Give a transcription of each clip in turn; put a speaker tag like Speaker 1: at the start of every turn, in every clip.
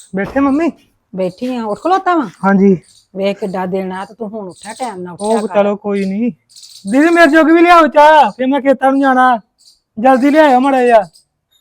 Speaker 1: बैठे मम्मी?
Speaker 2: बैठी हाँ उठ खलोता वा
Speaker 1: हाँ जी।
Speaker 2: वे किड्डा दिन आ तो तू हुण उठा टाइम ना
Speaker 1: ओ
Speaker 2: उठा
Speaker 1: चलो कोई नहीं। दीदी मेरे जोगी भी लियाओ चाह, फिर मैं खेतां नूं जाना। जल्दी ले आयो माड़ा जिहा।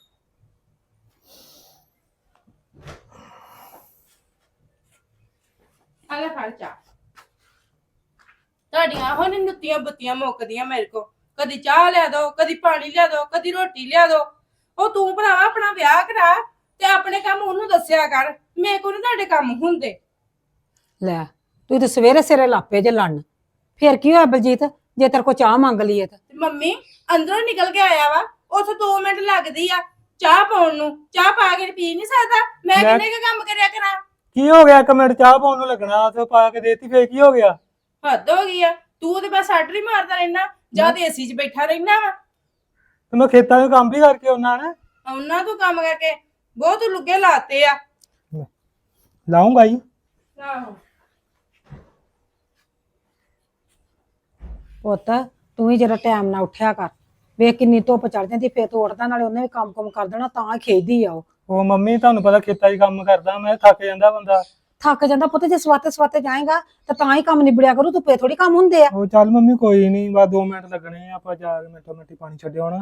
Speaker 3: आले खर्चा ਤੁਹਾਡੀਆਂ ਹੁਣ ਨੁੱਤੀਆਂ ਬੱਤੀਆਂ ਮੁੱਕਦੀਆਂ ਮੇਰੇ ਕੋ ਕਦੀ ਚਾਹ ਲਿਆ ਦੋ ਕਦੀ ਪਾਣੀ ਲਿਆ ਦੋ ਕਦੀ ਰੋਟੀ ਲਿਆ ਦੋ ਉਹ ਤੂੰ ਭਰਾਵਾ ਆਪਣਾ ਵਿਆਹ ਕਰਾ ਤੇ ਆਪਣੇ ਕੰਮ ਉਹਨੂੰ ਦੱਸਿਆ ਕਰ ਮੇਰੇ ਕੋਲ ਨੀ ਤੁਹਾਡੇ ਕੰਮ ਹੁੰਦੇ
Speaker 2: ਲੈ ਤੂੰ ਤੇ ਸਵੇਰੇ ਸਿਰੇ ਲਾਪੇ ਜੇ ਲੜਨ ਫਿਰ ਕੀ ਹੋਇਆ ਬਲਜੀਤ ਜੇ ਤੇਰੇ ਕੋ ਚਾਹ ਮੰਗ ਲਈ ਤਾਂ
Speaker 3: ਮੰਮੀ ਅੰਦਰੋਂ ਨਿਕਲ ਕੇ ਆਇਆ ਵਾ ਉੱਥੇ 2 ਮਿੰਟ ਲੱਗਦੀ ਆ ਚਾਹ ਪਾਉਣ ਨੂੰ ਚਾਹ ਪਾ ਕੇ ਪੀ ਨਹੀਂ ਸਕਦਾ ਮੈਂ ਕਿੰਨੇ ਕੁ ਕੰਮ ਕਰਿਆ ਕਰਾਂ
Speaker 1: की हो गया? 1 मिनट चाह पाउण नूं लगना ते पा के देती, फिर की हो गया?
Speaker 3: ਹੱਦ ਹੋ ਗਈ ਆ ਤੂੰ ਤੇ ਬਸ ਆਰਡਰ ਹੀ ਮਾਰਦਾ ਰਹਿਣਾ ਜਾਂ ਤੇ ਏਸੀ 'ਚ ਬੈਠਾ ਰਹਿਣਾ ਵਾ
Speaker 1: ते मैं खेतां च काम भी करके आउणा ना।
Speaker 3: ਉਹਨਾਂ ਤੋਂ ਕੰਮ ਕਰਕੇ ਬਹੁਤ ਲੁੱਗੇ ਲਾਤੇ ਆ
Speaker 1: लाऊंगा ही।
Speaker 3: ਆਹੋ
Speaker 2: ਪੁੱਤ ਤੂੰ ਹੀ ਜਰਾ ਟਾਈਮ ਨਾਲ ਉੱਠਿਆ ਕਰ ਵੇਖ ਕਿੰਨੀ ਧੁੱਪ ਚੜ ਜਾਂਦੀ ਫੇਰ ਤੂੰ ਉੱਠਦਾ ਨਾਲੇ ਉਹਨੇ ਵੀ ਕੰਮ ਕਰ ਦੇਣਾ ਤਾਂ ਖੇਦੀ ਆ ਉਹ
Speaker 1: ਉਹ ਮੰਮੀ ਤੁਹਾਨੂੰ ਪਤਾ ਖੇਤਾਂ 'ਚ ਕੰਮ ਕਰਦਾ ਮੈਂ, ਥੱਕ ਜਾਂਦਾ ਬੰਦਾ।
Speaker 2: ਥੱਕ ਜਾਂਦਾ ਪੁੱਤ ਜੇ ਸਵਾਤੇ ਜਾਏਗਾ ਤਾਂ ਹੀ ਕੰਮ ਨਿਬੜਿਆ ਕਰੂ ਧੁੱਪੇ ਥੋੜੀ ਕੰਮ ਹੁੰਦੇ ਆ
Speaker 1: ਉਹ ਚੱਲ ਮੰਮੀ ਕੋਈ ਨਹੀਂ, ਬਸ 2 ਮਿੰਟ ਲੱਗਣੇ ਆ, ਆਪਾਂ ਜਾ ਕੇ ਮਿੰਟੋ ਮਿੰਟੀ ਪਾਣੀ ਛੱਡਿਓ ਆਉਣਾ।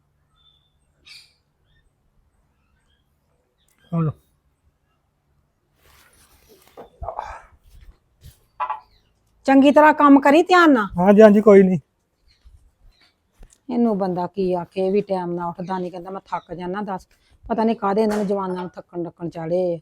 Speaker 1: ਹੁਣ
Speaker 2: ਚੰਗੀ ਤਰ੍ਹਾਂ ਕੰਮ ਕਰੀ ਧਿਆਨ ਨਾਲ
Speaker 1: ਹਾਂਜੀ ਹਾਂਜੀ ਕੋਈ ਨਹੀਂ।
Speaker 2: ਇਹਨੂੰ ਬੰਦਾ ਕੀ ਆਖੇ ਇਹ ਵੀ ਟਾਈਮ ਨਾਲ ਉੱਠਦਾ ਨਹੀਂ ਕਹਿੰਦਾ ਮੈਂ ਥੱਕ ਜਾਣਾ ਦੱਸ ਪਤਾ ਨਹੀਂ ਕਾਹਦੇ ਇਹਨਾਂ ਨੂੰ ਜਵਾਨਾਂ ਨੂੰ ਥੱਕਣ ਡੱਕਣ ਚਾੜੇ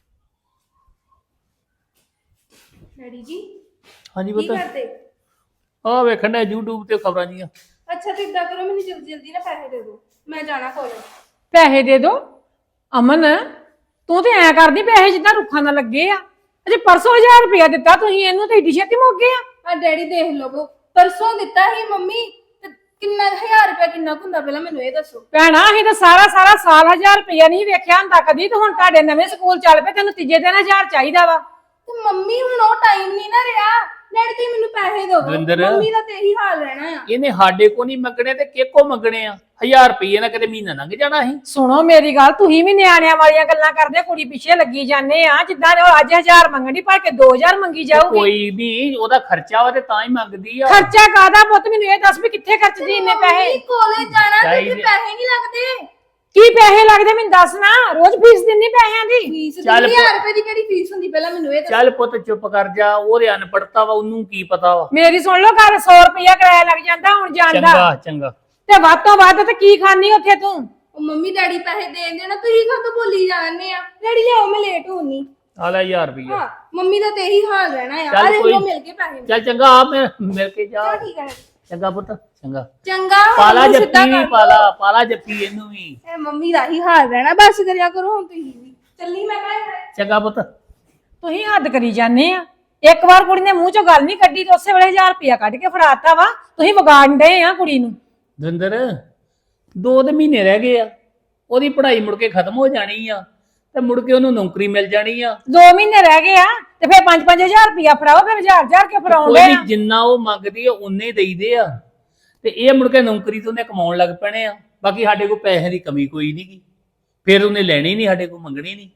Speaker 3: ਡੈਡੀ ਜੀ
Speaker 4: ਹਾਂਜੀ
Speaker 3: ਕੀ
Speaker 4: ਪੁੱਤ
Speaker 3: ਕਰਦੇ
Speaker 4: ਆ ਵੇਖਣ ਦਾ YouTube ਤੇ ਖਬਰਾਂ ਜੀਆਂ।
Speaker 3: ਅੱਛਾ ਤੇ ਇਦਾਂ ਕਰੋ ਮੈਨੂੰ ਜਲਦੀ ਜਲਦੀ ਨਾ ਪੈਸੇ ਦੇ ਦਿਓ ਮੈਂ ਜਾਣਾ ਕਾਲਜ
Speaker 2: ਪੈਸੇ ਦੇ ਦੋ ਅਮਨ ਤੂੰ ਤੇ ਐ ਕਰਦੀ ਪੈਸੇ ਜਿੱਦਾਂ ਰੁੱਖਾਂ ਨਾਲ ਲੱਗੇ ਆ ਅਜੇ ਪਰਸੋਂ 1000 ਰੁਪਇਆ ਦਿੱਤਾ ਤੁਸੀਂ ਇਹਨੂੰ ਤੇ ਏਡੀ ਛੇਤੀ ਮੁੱਕ ਗਏ ਆ
Speaker 3: ਆ ਡੈਡੀ ਦੇਖ ਲਵੋ ਪਰਸੋਂ ਦਿੱਤਾ ਸੀ ਮੰਮੀ ਤੇ ਕਿੰਨਾ 1000 ਰੁਪਇਆ ਕਿੰਨਾ ਕੁ ਹੁੰਦਾ ਪਹਿਲਾਂ ਮੈਨੂੰ ਇਹ ਦੱਸੋ
Speaker 2: ਭੈਣਾ ਅਸੀਂ ਤਾਂ ਸਾਰਾ ਸਾਲ 1000 ਰੁਪਇਆ ਨਹੀਂ ਵੇਖਿਆ ਹੁੰਦਾ ਕਦੀ ਤੇ ਹੁਣ ਤੁਹਾਡੇ ਨਵੇਂ ਸਕੂਲ ਚੱਲ ਪਏ ਤੈਨੂੰ ਤੀਜੇ ਦਿਨ 1000 ਚਾਹੀਦਾ ਵਾ
Speaker 3: ਤੇ ਮੰਮੀ ਹੁਣ ਉਹ ਟਾਈਮ ਨਹੀਂ ਨਾ ਰਿਹਾ ਡੈਡੀ ਤੁਸੀਂ ਮੈਨੂੰ ਪੈਸੇ ਦਿਓ
Speaker 4: ਦਵਿੰਦਰ।
Speaker 3: ਮੰਮੀ ਦਾ ਤੇ ਇਹੀ ਹਾਲ ਰਹਿਣਾ ਆ
Speaker 4: ਇਹਨੇ ਸਾਡੇ ਕੋ ਨਹੀਂ ਮੰਗਣੇ ਤੇ ਕਿਹਕੋ ਮੰਗਣੇ ਆ 1000 ਰੁਪਏ ਨਾਲ ਕਿਤੇ ਮਹੀਨਾ ਲੰਘ ਜਾਣਾ ਸੀ।
Speaker 2: ਸੁਣੋ ਮੇਰੀ ਗੱਲ ਤੁਸੀਂ ਵੀ ਨਿਆਣਿਆਂ ਵਾਲੀਆਂ ਗੱਲਾਂ ਕਰਦੇ ਕੁੜੀ ਪਿੱਛੇ ਲੱਗੀ ਜਾਂਦੇ ਆ ਜਿੱਦਾਂ ਉਹ ਅੱਜ 1000 ਮੰਗਣੀ ਪਰ ਕੇ 2000 ਮੰਗੀ ਜਾਊਗੀ
Speaker 4: ਕੋਈ ਵੀ ਉਹਦਾ ਖਰਚਾ ਵਾ ਤੇ ਤਾਂ ਹੀ ਮੰਗਦੀ ਆ।
Speaker 2: ਖਰਚਾ ਕਾਦਾ ਪੁੱਤ ਮੈਨੂੰ ਇਹ ਦੱਸ ਵੀ ਕਿੱਥੇ ਖਰਚਦੀ ਇੰਨੇ ਪੈਸੇ
Speaker 3: ਕਾਲਜ ਜਾਣਾ ਤੇ
Speaker 4: ਚਾਹੀਦੇ।
Speaker 3: ਉੱਥੇ ਪੈਸੇ ਨਹੀਂ ਲੱਗਦੇ
Speaker 2: ਕੀ ਪੈਸੇ ਲੱਗਦੇ ਮੈਨੂੰ ਦੱਸ ਨਾ ਰੋਜ਼ ਫੀਸ ਦਿੰਨੀ ਪੈਸਿਆਂ ਦੀ
Speaker 3: ਫੀਸ
Speaker 4: ਚੱਲ
Speaker 3: 1000 ਰੁਪਏ ਦੀ ਕਿਹੜੀ ਫੀਸ ਹੁੰਦੀ ਪਹਿਲਾਂ ਮੈਨੂੰ ਇਹ ਦੱਸੋ
Speaker 4: ਚੱਲ ਪੁੱਤ ਚੁੱਪ ਕਰ ਜਾ, ਉਹਦੇ ਅਨਪੜਤਾ ਵਾ, ਉਹਨੂੰ ਕੀ ਪਤਾ ਵਾ।
Speaker 2: ਮੇਰੀ ਸੁਣ ਲਓ ਗੱਲ 100 ਰੁਪਇਆ ਕਿਰਾਇਆ ਲੱਗ ਜਾਂਦਾ ਹੁਣ ਜਾਂਦਾ
Speaker 4: ਚੰਗਾ ਚੰਗਾ
Speaker 2: ਤੇ ਵੱਧ ਤੋਂ ਵੱਧ ਤੇ ਕੀ ਖਾਣੀ ਉੱਥੇ ਤੂੰ
Speaker 3: ਉਹ ਮੰਮੀ ਡੈਡੀ ਪੈਸੇ ਦੇ ਦੇਣਾ ਤੁਸੀਂ ਕਦੋਂ ਬੋਲੀ ਜਾਂਦੇ ਆ ਡੈਡੀ ਲਿਆਓ ਮੈਂ ਲੇਟ ਹੋਣੀ
Speaker 4: ਆ ਲੈ 1000 ਰੁਪਏ।
Speaker 3: ਹਾਂ ਮੰਮੀ ਦਾ ਤੇ ਇਹੀ ਹਾਲ ਰਹਿਣਾ ਆ
Speaker 4: ਚੱਲ
Speaker 3: ਅਰੇ
Speaker 4: ਕੋਈ-
Speaker 3: ਲੋ ਮਿਲ ਕੇ ਪੈਸੇ
Speaker 4: ਚੱਲ ਚੰਗਾ ਆ ਮਿਲ ਕੇ ਜਾ।
Speaker 3: ਚਲੋ ਠੀਕ ਹੈ
Speaker 4: ਚੰਗਾ ਪੁੱਤ ਚੰਗਾ।
Speaker 3: ਚੰਗਾ
Speaker 4: ਪਾਲਾ
Speaker 3: ਹੁਣ ਸਿੱਧਾ
Speaker 4: ਜੱਫੀ ਵੀ
Speaker 3: ਕਰ
Speaker 4: ਪਾਲਾ ਪਾਲਾ ਜੱਫੀ ਇਹਨੂੰ ਵੀ।
Speaker 3: ਇਹ ਮੰਮੀ ਦਾ ਹੀ ਹਾਲ ਰਹਿਣਾ ਬਸ ਕਰਿਆ ਕਰੋ ਹੁਣ ਤੁਸੀਂ ਵੀ ਚੱਲੀ ਮੈਂ ਘਰ
Speaker 4: ਚੰਗਾ ਪੁੱਤ।
Speaker 2: ਤੁਸੀਂ ਹੱਦ ਕਰੀ ਜਾਂਦੇ ਆ ਇੱਕ ਵਾਰ ਕੁੜੀ ਨੇ ਮੂੰਹ ਚੋਂ ਗੱਲ ਨਹੀਂ ਕੱਢੀ ਤੇ ਉਸੇ ਵੇਲੇ 1000 ਰੁਪਇਆ ਕੱਢ ਕੇ ਫੜਾਤਾ ਵਾ ਤੁਸੀਂ ਵਿਗਾੜਨ ਡਏ ਆ ਕੁੜੀ ਨੂੰ
Speaker 4: ਦਵਿੰਦਰ 2 ਦੇ ਮਹੀਨੇ ਰਹਿ ਗਏ ਆ, ਉਹਦੀ ਪੜ੍ਹਾਈ ਮੁੜ ਕੇ ਖਤਮ ਹੋ ਜਾਣੀ ਆ ਤੇ ਮੁੜ ਕੇ ਉਹਨੂੰ ਨੌਕਰੀ ਮਿਲ ਜਾਣੀ ਆ।
Speaker 2: 2 ਮਹੀਨੇ ਰਹਿ ਗਏ ਆ ਤੇ ਫਿਰ 5-5000 ਰੁਪਇਆ ਫੜਾਓ ਫਿਰ 1000 ਕੇ
Speaker 4: ਕੋਈ
Speaker 2: ਫੜਾਉਂਦੇ
Speaker 4: ਨੀ,
Speaker 2: ਆ
Speaker 4: ਜਿੰਨਾ ਉਹ ਮੰਗਦੀ ਆ ਉਨੇ ਹੀ ਦੇਈਦੇ ਆ ਤੇ ਇਹ ਮੁੜ ਕੇ ਨੌਕਰੀ ਤੋਂ ਉਹਨੇ ਕਮਾਉਣ ਲੱਗ ਪੈਣੇ ਆ। ਬਾਕੀ ਸਾਡੇ ਕੋਲ ਪੈਸੇ ਦੀ ਕਮੀ ਕੋਈ ਨਹੀਂ ਗੀ, ਫਿਰ ਉਹਨੇ ਲੈਣੀ ਨਹੀਂ, ਸਾਡੇ ਕੋਲ ਮੰਗਣੀ ਨਹੀਂ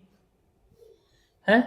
Speaker 4: ਹੈ।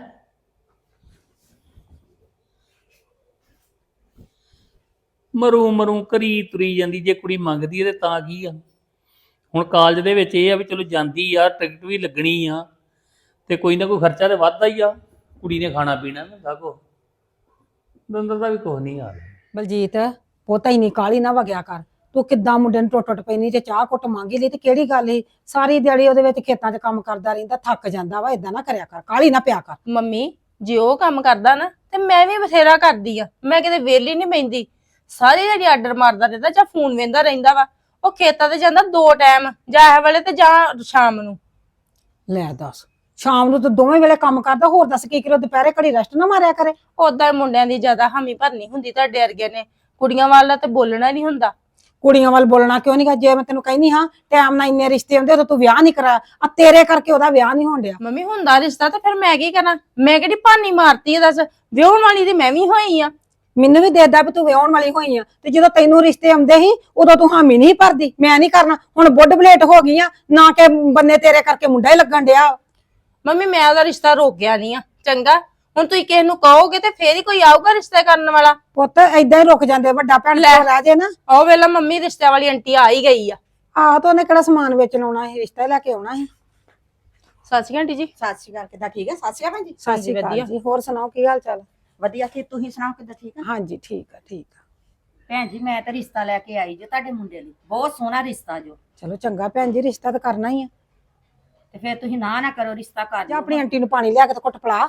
Speaker 4: ਮਰੂ ਕਰੀ ਤੁਰੀ ਜਾਂਦੀ, ਜੇ ਕੁੜੀ ਮੰਗਦੀ ਹੈ ਤੇ ਤਾਂ ਕੀ ਆ। ਹੁਣ ਕਾਲਜ ਦੇ ਵਿੱਚ ਇਹ ਆ ਵੀ ਚਲੋ ਜਾਂਦੀ ਆ, ਟਿਕਟ ਵੀ ਲੱਗਣੀ ਆ ਤੇ ਕੋਈ ਨਾ ਕੋਈ ਖਰਚਾ ਤੇ ਵੱਧਦਾ ਹੀ ਆ। ਕੁੜੀ ਨੇ ਖਾਣਾ ਪੀਣਾ ਨਾ ਸਾਕੋ ਦੰਦਰ ਦਾ ਵੀ ਕੁਛ ਨਹੀਂ ਆ।
Speaker 2: ਬਲਜੀਤ ਪੋਤਾ ਹੀ ਨਹੀਂ ਕਾਲੀ ਨਾ ਵਗਿਆ ਕਰ ਤੂੰ ਕਿੱਦਾਂ ਮੁੰਡੇ ਨੂੰ ਟੁੱਟ ਪੈਣੀ ਤੇ ਚਾਹ ਕੁੱਟ ਮੰਗੀ ਲਈ ਤੇ ਕਿਹੜੀ ਗੱਲ ਏ ਸਾਰੀ ਦਿਹਾੜੀ ਉਹਦੇ ਵਿੱਚ ਖੇਤਾਂ 'ਚ ਕੰਮ ਕਰਦਾ ਰਹਿੰਦਾ ਥੱਕ ਜਾਂਦਾ ਵਾ ਇਦਾਂ ਨਾ ਕਰਿਆ ਕਰ ਕਾਲੀ ਨਾ ਪਿਆ ਕਰ
Speaker 3: ਮੰਮੀ ਜੇ ਉਹ ਕੰਮ ਕਰਦਾ ਨਾ ਤੇ ਮੈਂ ਵੀ ਬਥੇਰਾ ਕਰਦੀ ਆ ਮੈਂ ਕਿਤੇ ਵਿਹਲੀ ਨਹੀਂ ਬੈਂਦੀ ਸਾਰੀ ਜਿਹੜੀ ਆਰਡਰ ਮਾਰਦਾ ਰਹਿੰਦਾ ਜਾਂ ਫੋਨ ਵੇਂਦਾ ਰਹਿੰਦਾ ਵਾ ਉਹ ਖੇਤਾਂ ਤੇ ਜਾਂਦਾ 2 ਟਾਈਮ ਜਾਂ ਇਹ ਵੇਲੇ ਤੇ ਜਾਂ ਸ਼ਾਮ ਨੂੰ
Speaker 2: ਲੈ ਦੱਸ ਸ਼ਾਮ ਨੂੰ ਤਾਂ ਦੋਵੇਂ ਵੇਲੇ ਕੰਮ ਕਰਦਾ ਹੋਰ ਦੱਸ ਕੀ ਕਰੋ ਦੁਪਹਿਰੇ ਘੜੀ ਰੈਸਟ ਨਾ ਮਾਰਿਆ ਕਰੇ
Speaker 3: ਉਦਾਂ ਮੁੰਡਿਆਂ ਦੀ ਜ਼ਿਆਦਾ ਹਾਮੀ ਭਰਨੀ ਹੁੰਦੀ ਤੁਹਾਡੇ ਵਰਗੇ ਨੇ ਕੁੜੀਆਂ ਵਾਲਾ ਤੇ ਬੋਲਣਾ ਨਹੀਂ ਹੁੰਦਾ
Speaker 2: ਕੁੜੀਆਂ ਵੱਲ ਬੋਲਣਾ ਕਿਉਂ ਨਹੀਂ ਗਾ ਜੇ ਮੈਂ ਤੈਨੂੰ ਕਹਿੰਦੀ ਹਾਂ ਟਾਈਮ ਨਾਲ ਇੰਨੇ ਰਿਸ਼ਤੇ ਹੁੰਦੇ ਉਦੋਂ ਤੂੰ ਵਿਆਹ ਨਹੀਂ ਕਰਾ ਆ ਤੇਰੇ ਕਰਕੇ ਉਹਦਾ ਵਿਆਹ ਨਹੀਂ ਹੋਣ ਡਿਆ
Speaker 3: ਮੰਮੀ ਹੁੰਦਾ ਰਿਸ਼ਤਾ ਤਾਂ ਫਿਰ ਮੈਂ ਕੀ ਕਰਾਂ ਮੈਂ ਕਿਹੜੀ ਭਾਨੀ ਮਾਰਤੀ ਆ ਦੱਸ ਵਿਆਹਣ ਵਾਲੀ ਤੇ ਮੈਂ ਵੀ ਹੋਈ ਆ
Speaker 2: ਮੈਨੂੰ ਵੀ ਦੇਦਾ ਵੀ ਤੂੰ ਵਿਆਹਣ ਵਾਲੀ ਹੋਈ ਆ ਤੇ ਜਦੋਂ ਤੈਨੂੰ ਰਿਸ਼ਤੇ ਆਉਂਦੇ ਸੀ ਉਦੋਂ ਤੂੰ ਹਾਮੀ ਨਹੀਂ ਭਰਦੀ ਮੈਂ ਨਹੀਂ ਕਰਨਾ ਹੁਣ ਬੁੱਢ ਬਲੇਟ ਹੋ ਗਈ ਆ ਨਾ ਕਿ ਬੰਨੇ ਤੇਰੇ ਕਰਕੇ ਮੁੰਡਾ ਹੀ ਲੱਗਣ ਡਿਆ
Speaker 3: ਮੰਮੀ ਮੈਂ ਉਹਦਾ ਰਿਸ਼ਤਾ ਰੋਕਿਆ ਨਹੀਂ ਆ ਚੰਗਾ। ਹੁਣ ਤੁਸੀਂ ਕਿਸੇ ਨੂੰ ਕਹੋਗੇ ਤੇ ਫੇਰ ਹੀ ਕੋਈ ਆਊਗਾ ਰਿਸ਼ਤਾ ਕਰਨ ਵਾਲਾ।
Speaker 2: ਪੁੱਤ ਏਦਾਂ ਹੀ ਰੁਕ ਜਾਂਦੇ, ਵੱਡਾ ਭੈਣ
Speaker 3: ਲੈ।
Speaker 2: ਕੋਲ ਰਹਿ ਜੇ ਨਾ।
Speaker 3: ਉਹ ਵੇਲਾ ਮੰਮੀ ਰਿਸ਼ਤੇ ਵਾਲੀ ਆਂਟੀ ਆ ਹੀ ਗਈ ਆ।
Speaker 2: ਆਹ ਤਾਂ ਉਹਨੇ ਕਿਹੜਾ ਸਮਾਨ ਵੇਚਣ ਆਉਣਾ ਸੀ, ਰਿਸ਼ਤਾ ਹੀ ਲੈ ਕੇ ਆਉਣਾ ਸੀ।
Speaker 3: ਸਤਿ ਸ਼੍ਰੀ ਅਕਾਲ ਆਂਟੀ ਜੀ।
Speaker 5: ਸਤਿ ਸ਼੍ਰੀ ਅਕਾਲ, ਕਿੱਦਾਂ ਠੀਕ ਹੈ? ਸਤਿ ਸ਼੍ਰੀ ਅਕਾਲ ਭੈਣ ਜੀ।
Speaker 2: ਸਤਿ ਸ਼੍ਰੀ ਅਕਾਲ
Speaker 3: ਵਧੀਆ।
Speaker 2: ਜੀ, ਹੋਰ ਸੁਣਾਓ ਕੀ ਹਾਲ ਚਾਲ?
Speaker 5: ਵਧੀਆ, ਕੀ ਤੁਸੀਂ ਸੁਣਾਓ ਕਿੱਦਾਂ ਠੀਕ ਆ?
Speaker 2: ਹਾਂਜੀ ਠੀਕ ਆ ਠੀਕ ਆ।
Speaker 5: ਭੈਣ ਜੀ ਮੈਂ ਤਾਂ ਰਿਸ਼ਤਾ ਲੈ ਕੇ ਆਈ ਜੋ ਤੁਹਾਡੇ ਮੁੰਡੇ ਲਈ, ਬਹੁਤ ਸੋਹਣਾ ਰਿਸ਼ਤਾ ਜੋ।
Speaker 2: ਚਲੋ ਚੰਗਾ ਭੈਣ ਜੀ, ਰਿਸ਼ਤਾ ਤਾਂ ਕਰਨਾ ਹੀ ਆ।
Speaker 5: ਤੇ ਫਿਰ ਤੁਸੀਂ ਨਾ ਕਰੋ, ਰਿਸ਼ਤਾ ਕਰ
Speaker 2: ਜਾਂ
Speaker 5: ਦਿਓ।
Speaker 2: ਆਪਣੀ ਆਂਟੀ ਨੂੰ ਪਾਣੀ ਲਿਆ ਕੇ ਤੇ ਘੁੱਟ ਪਿਲਾ।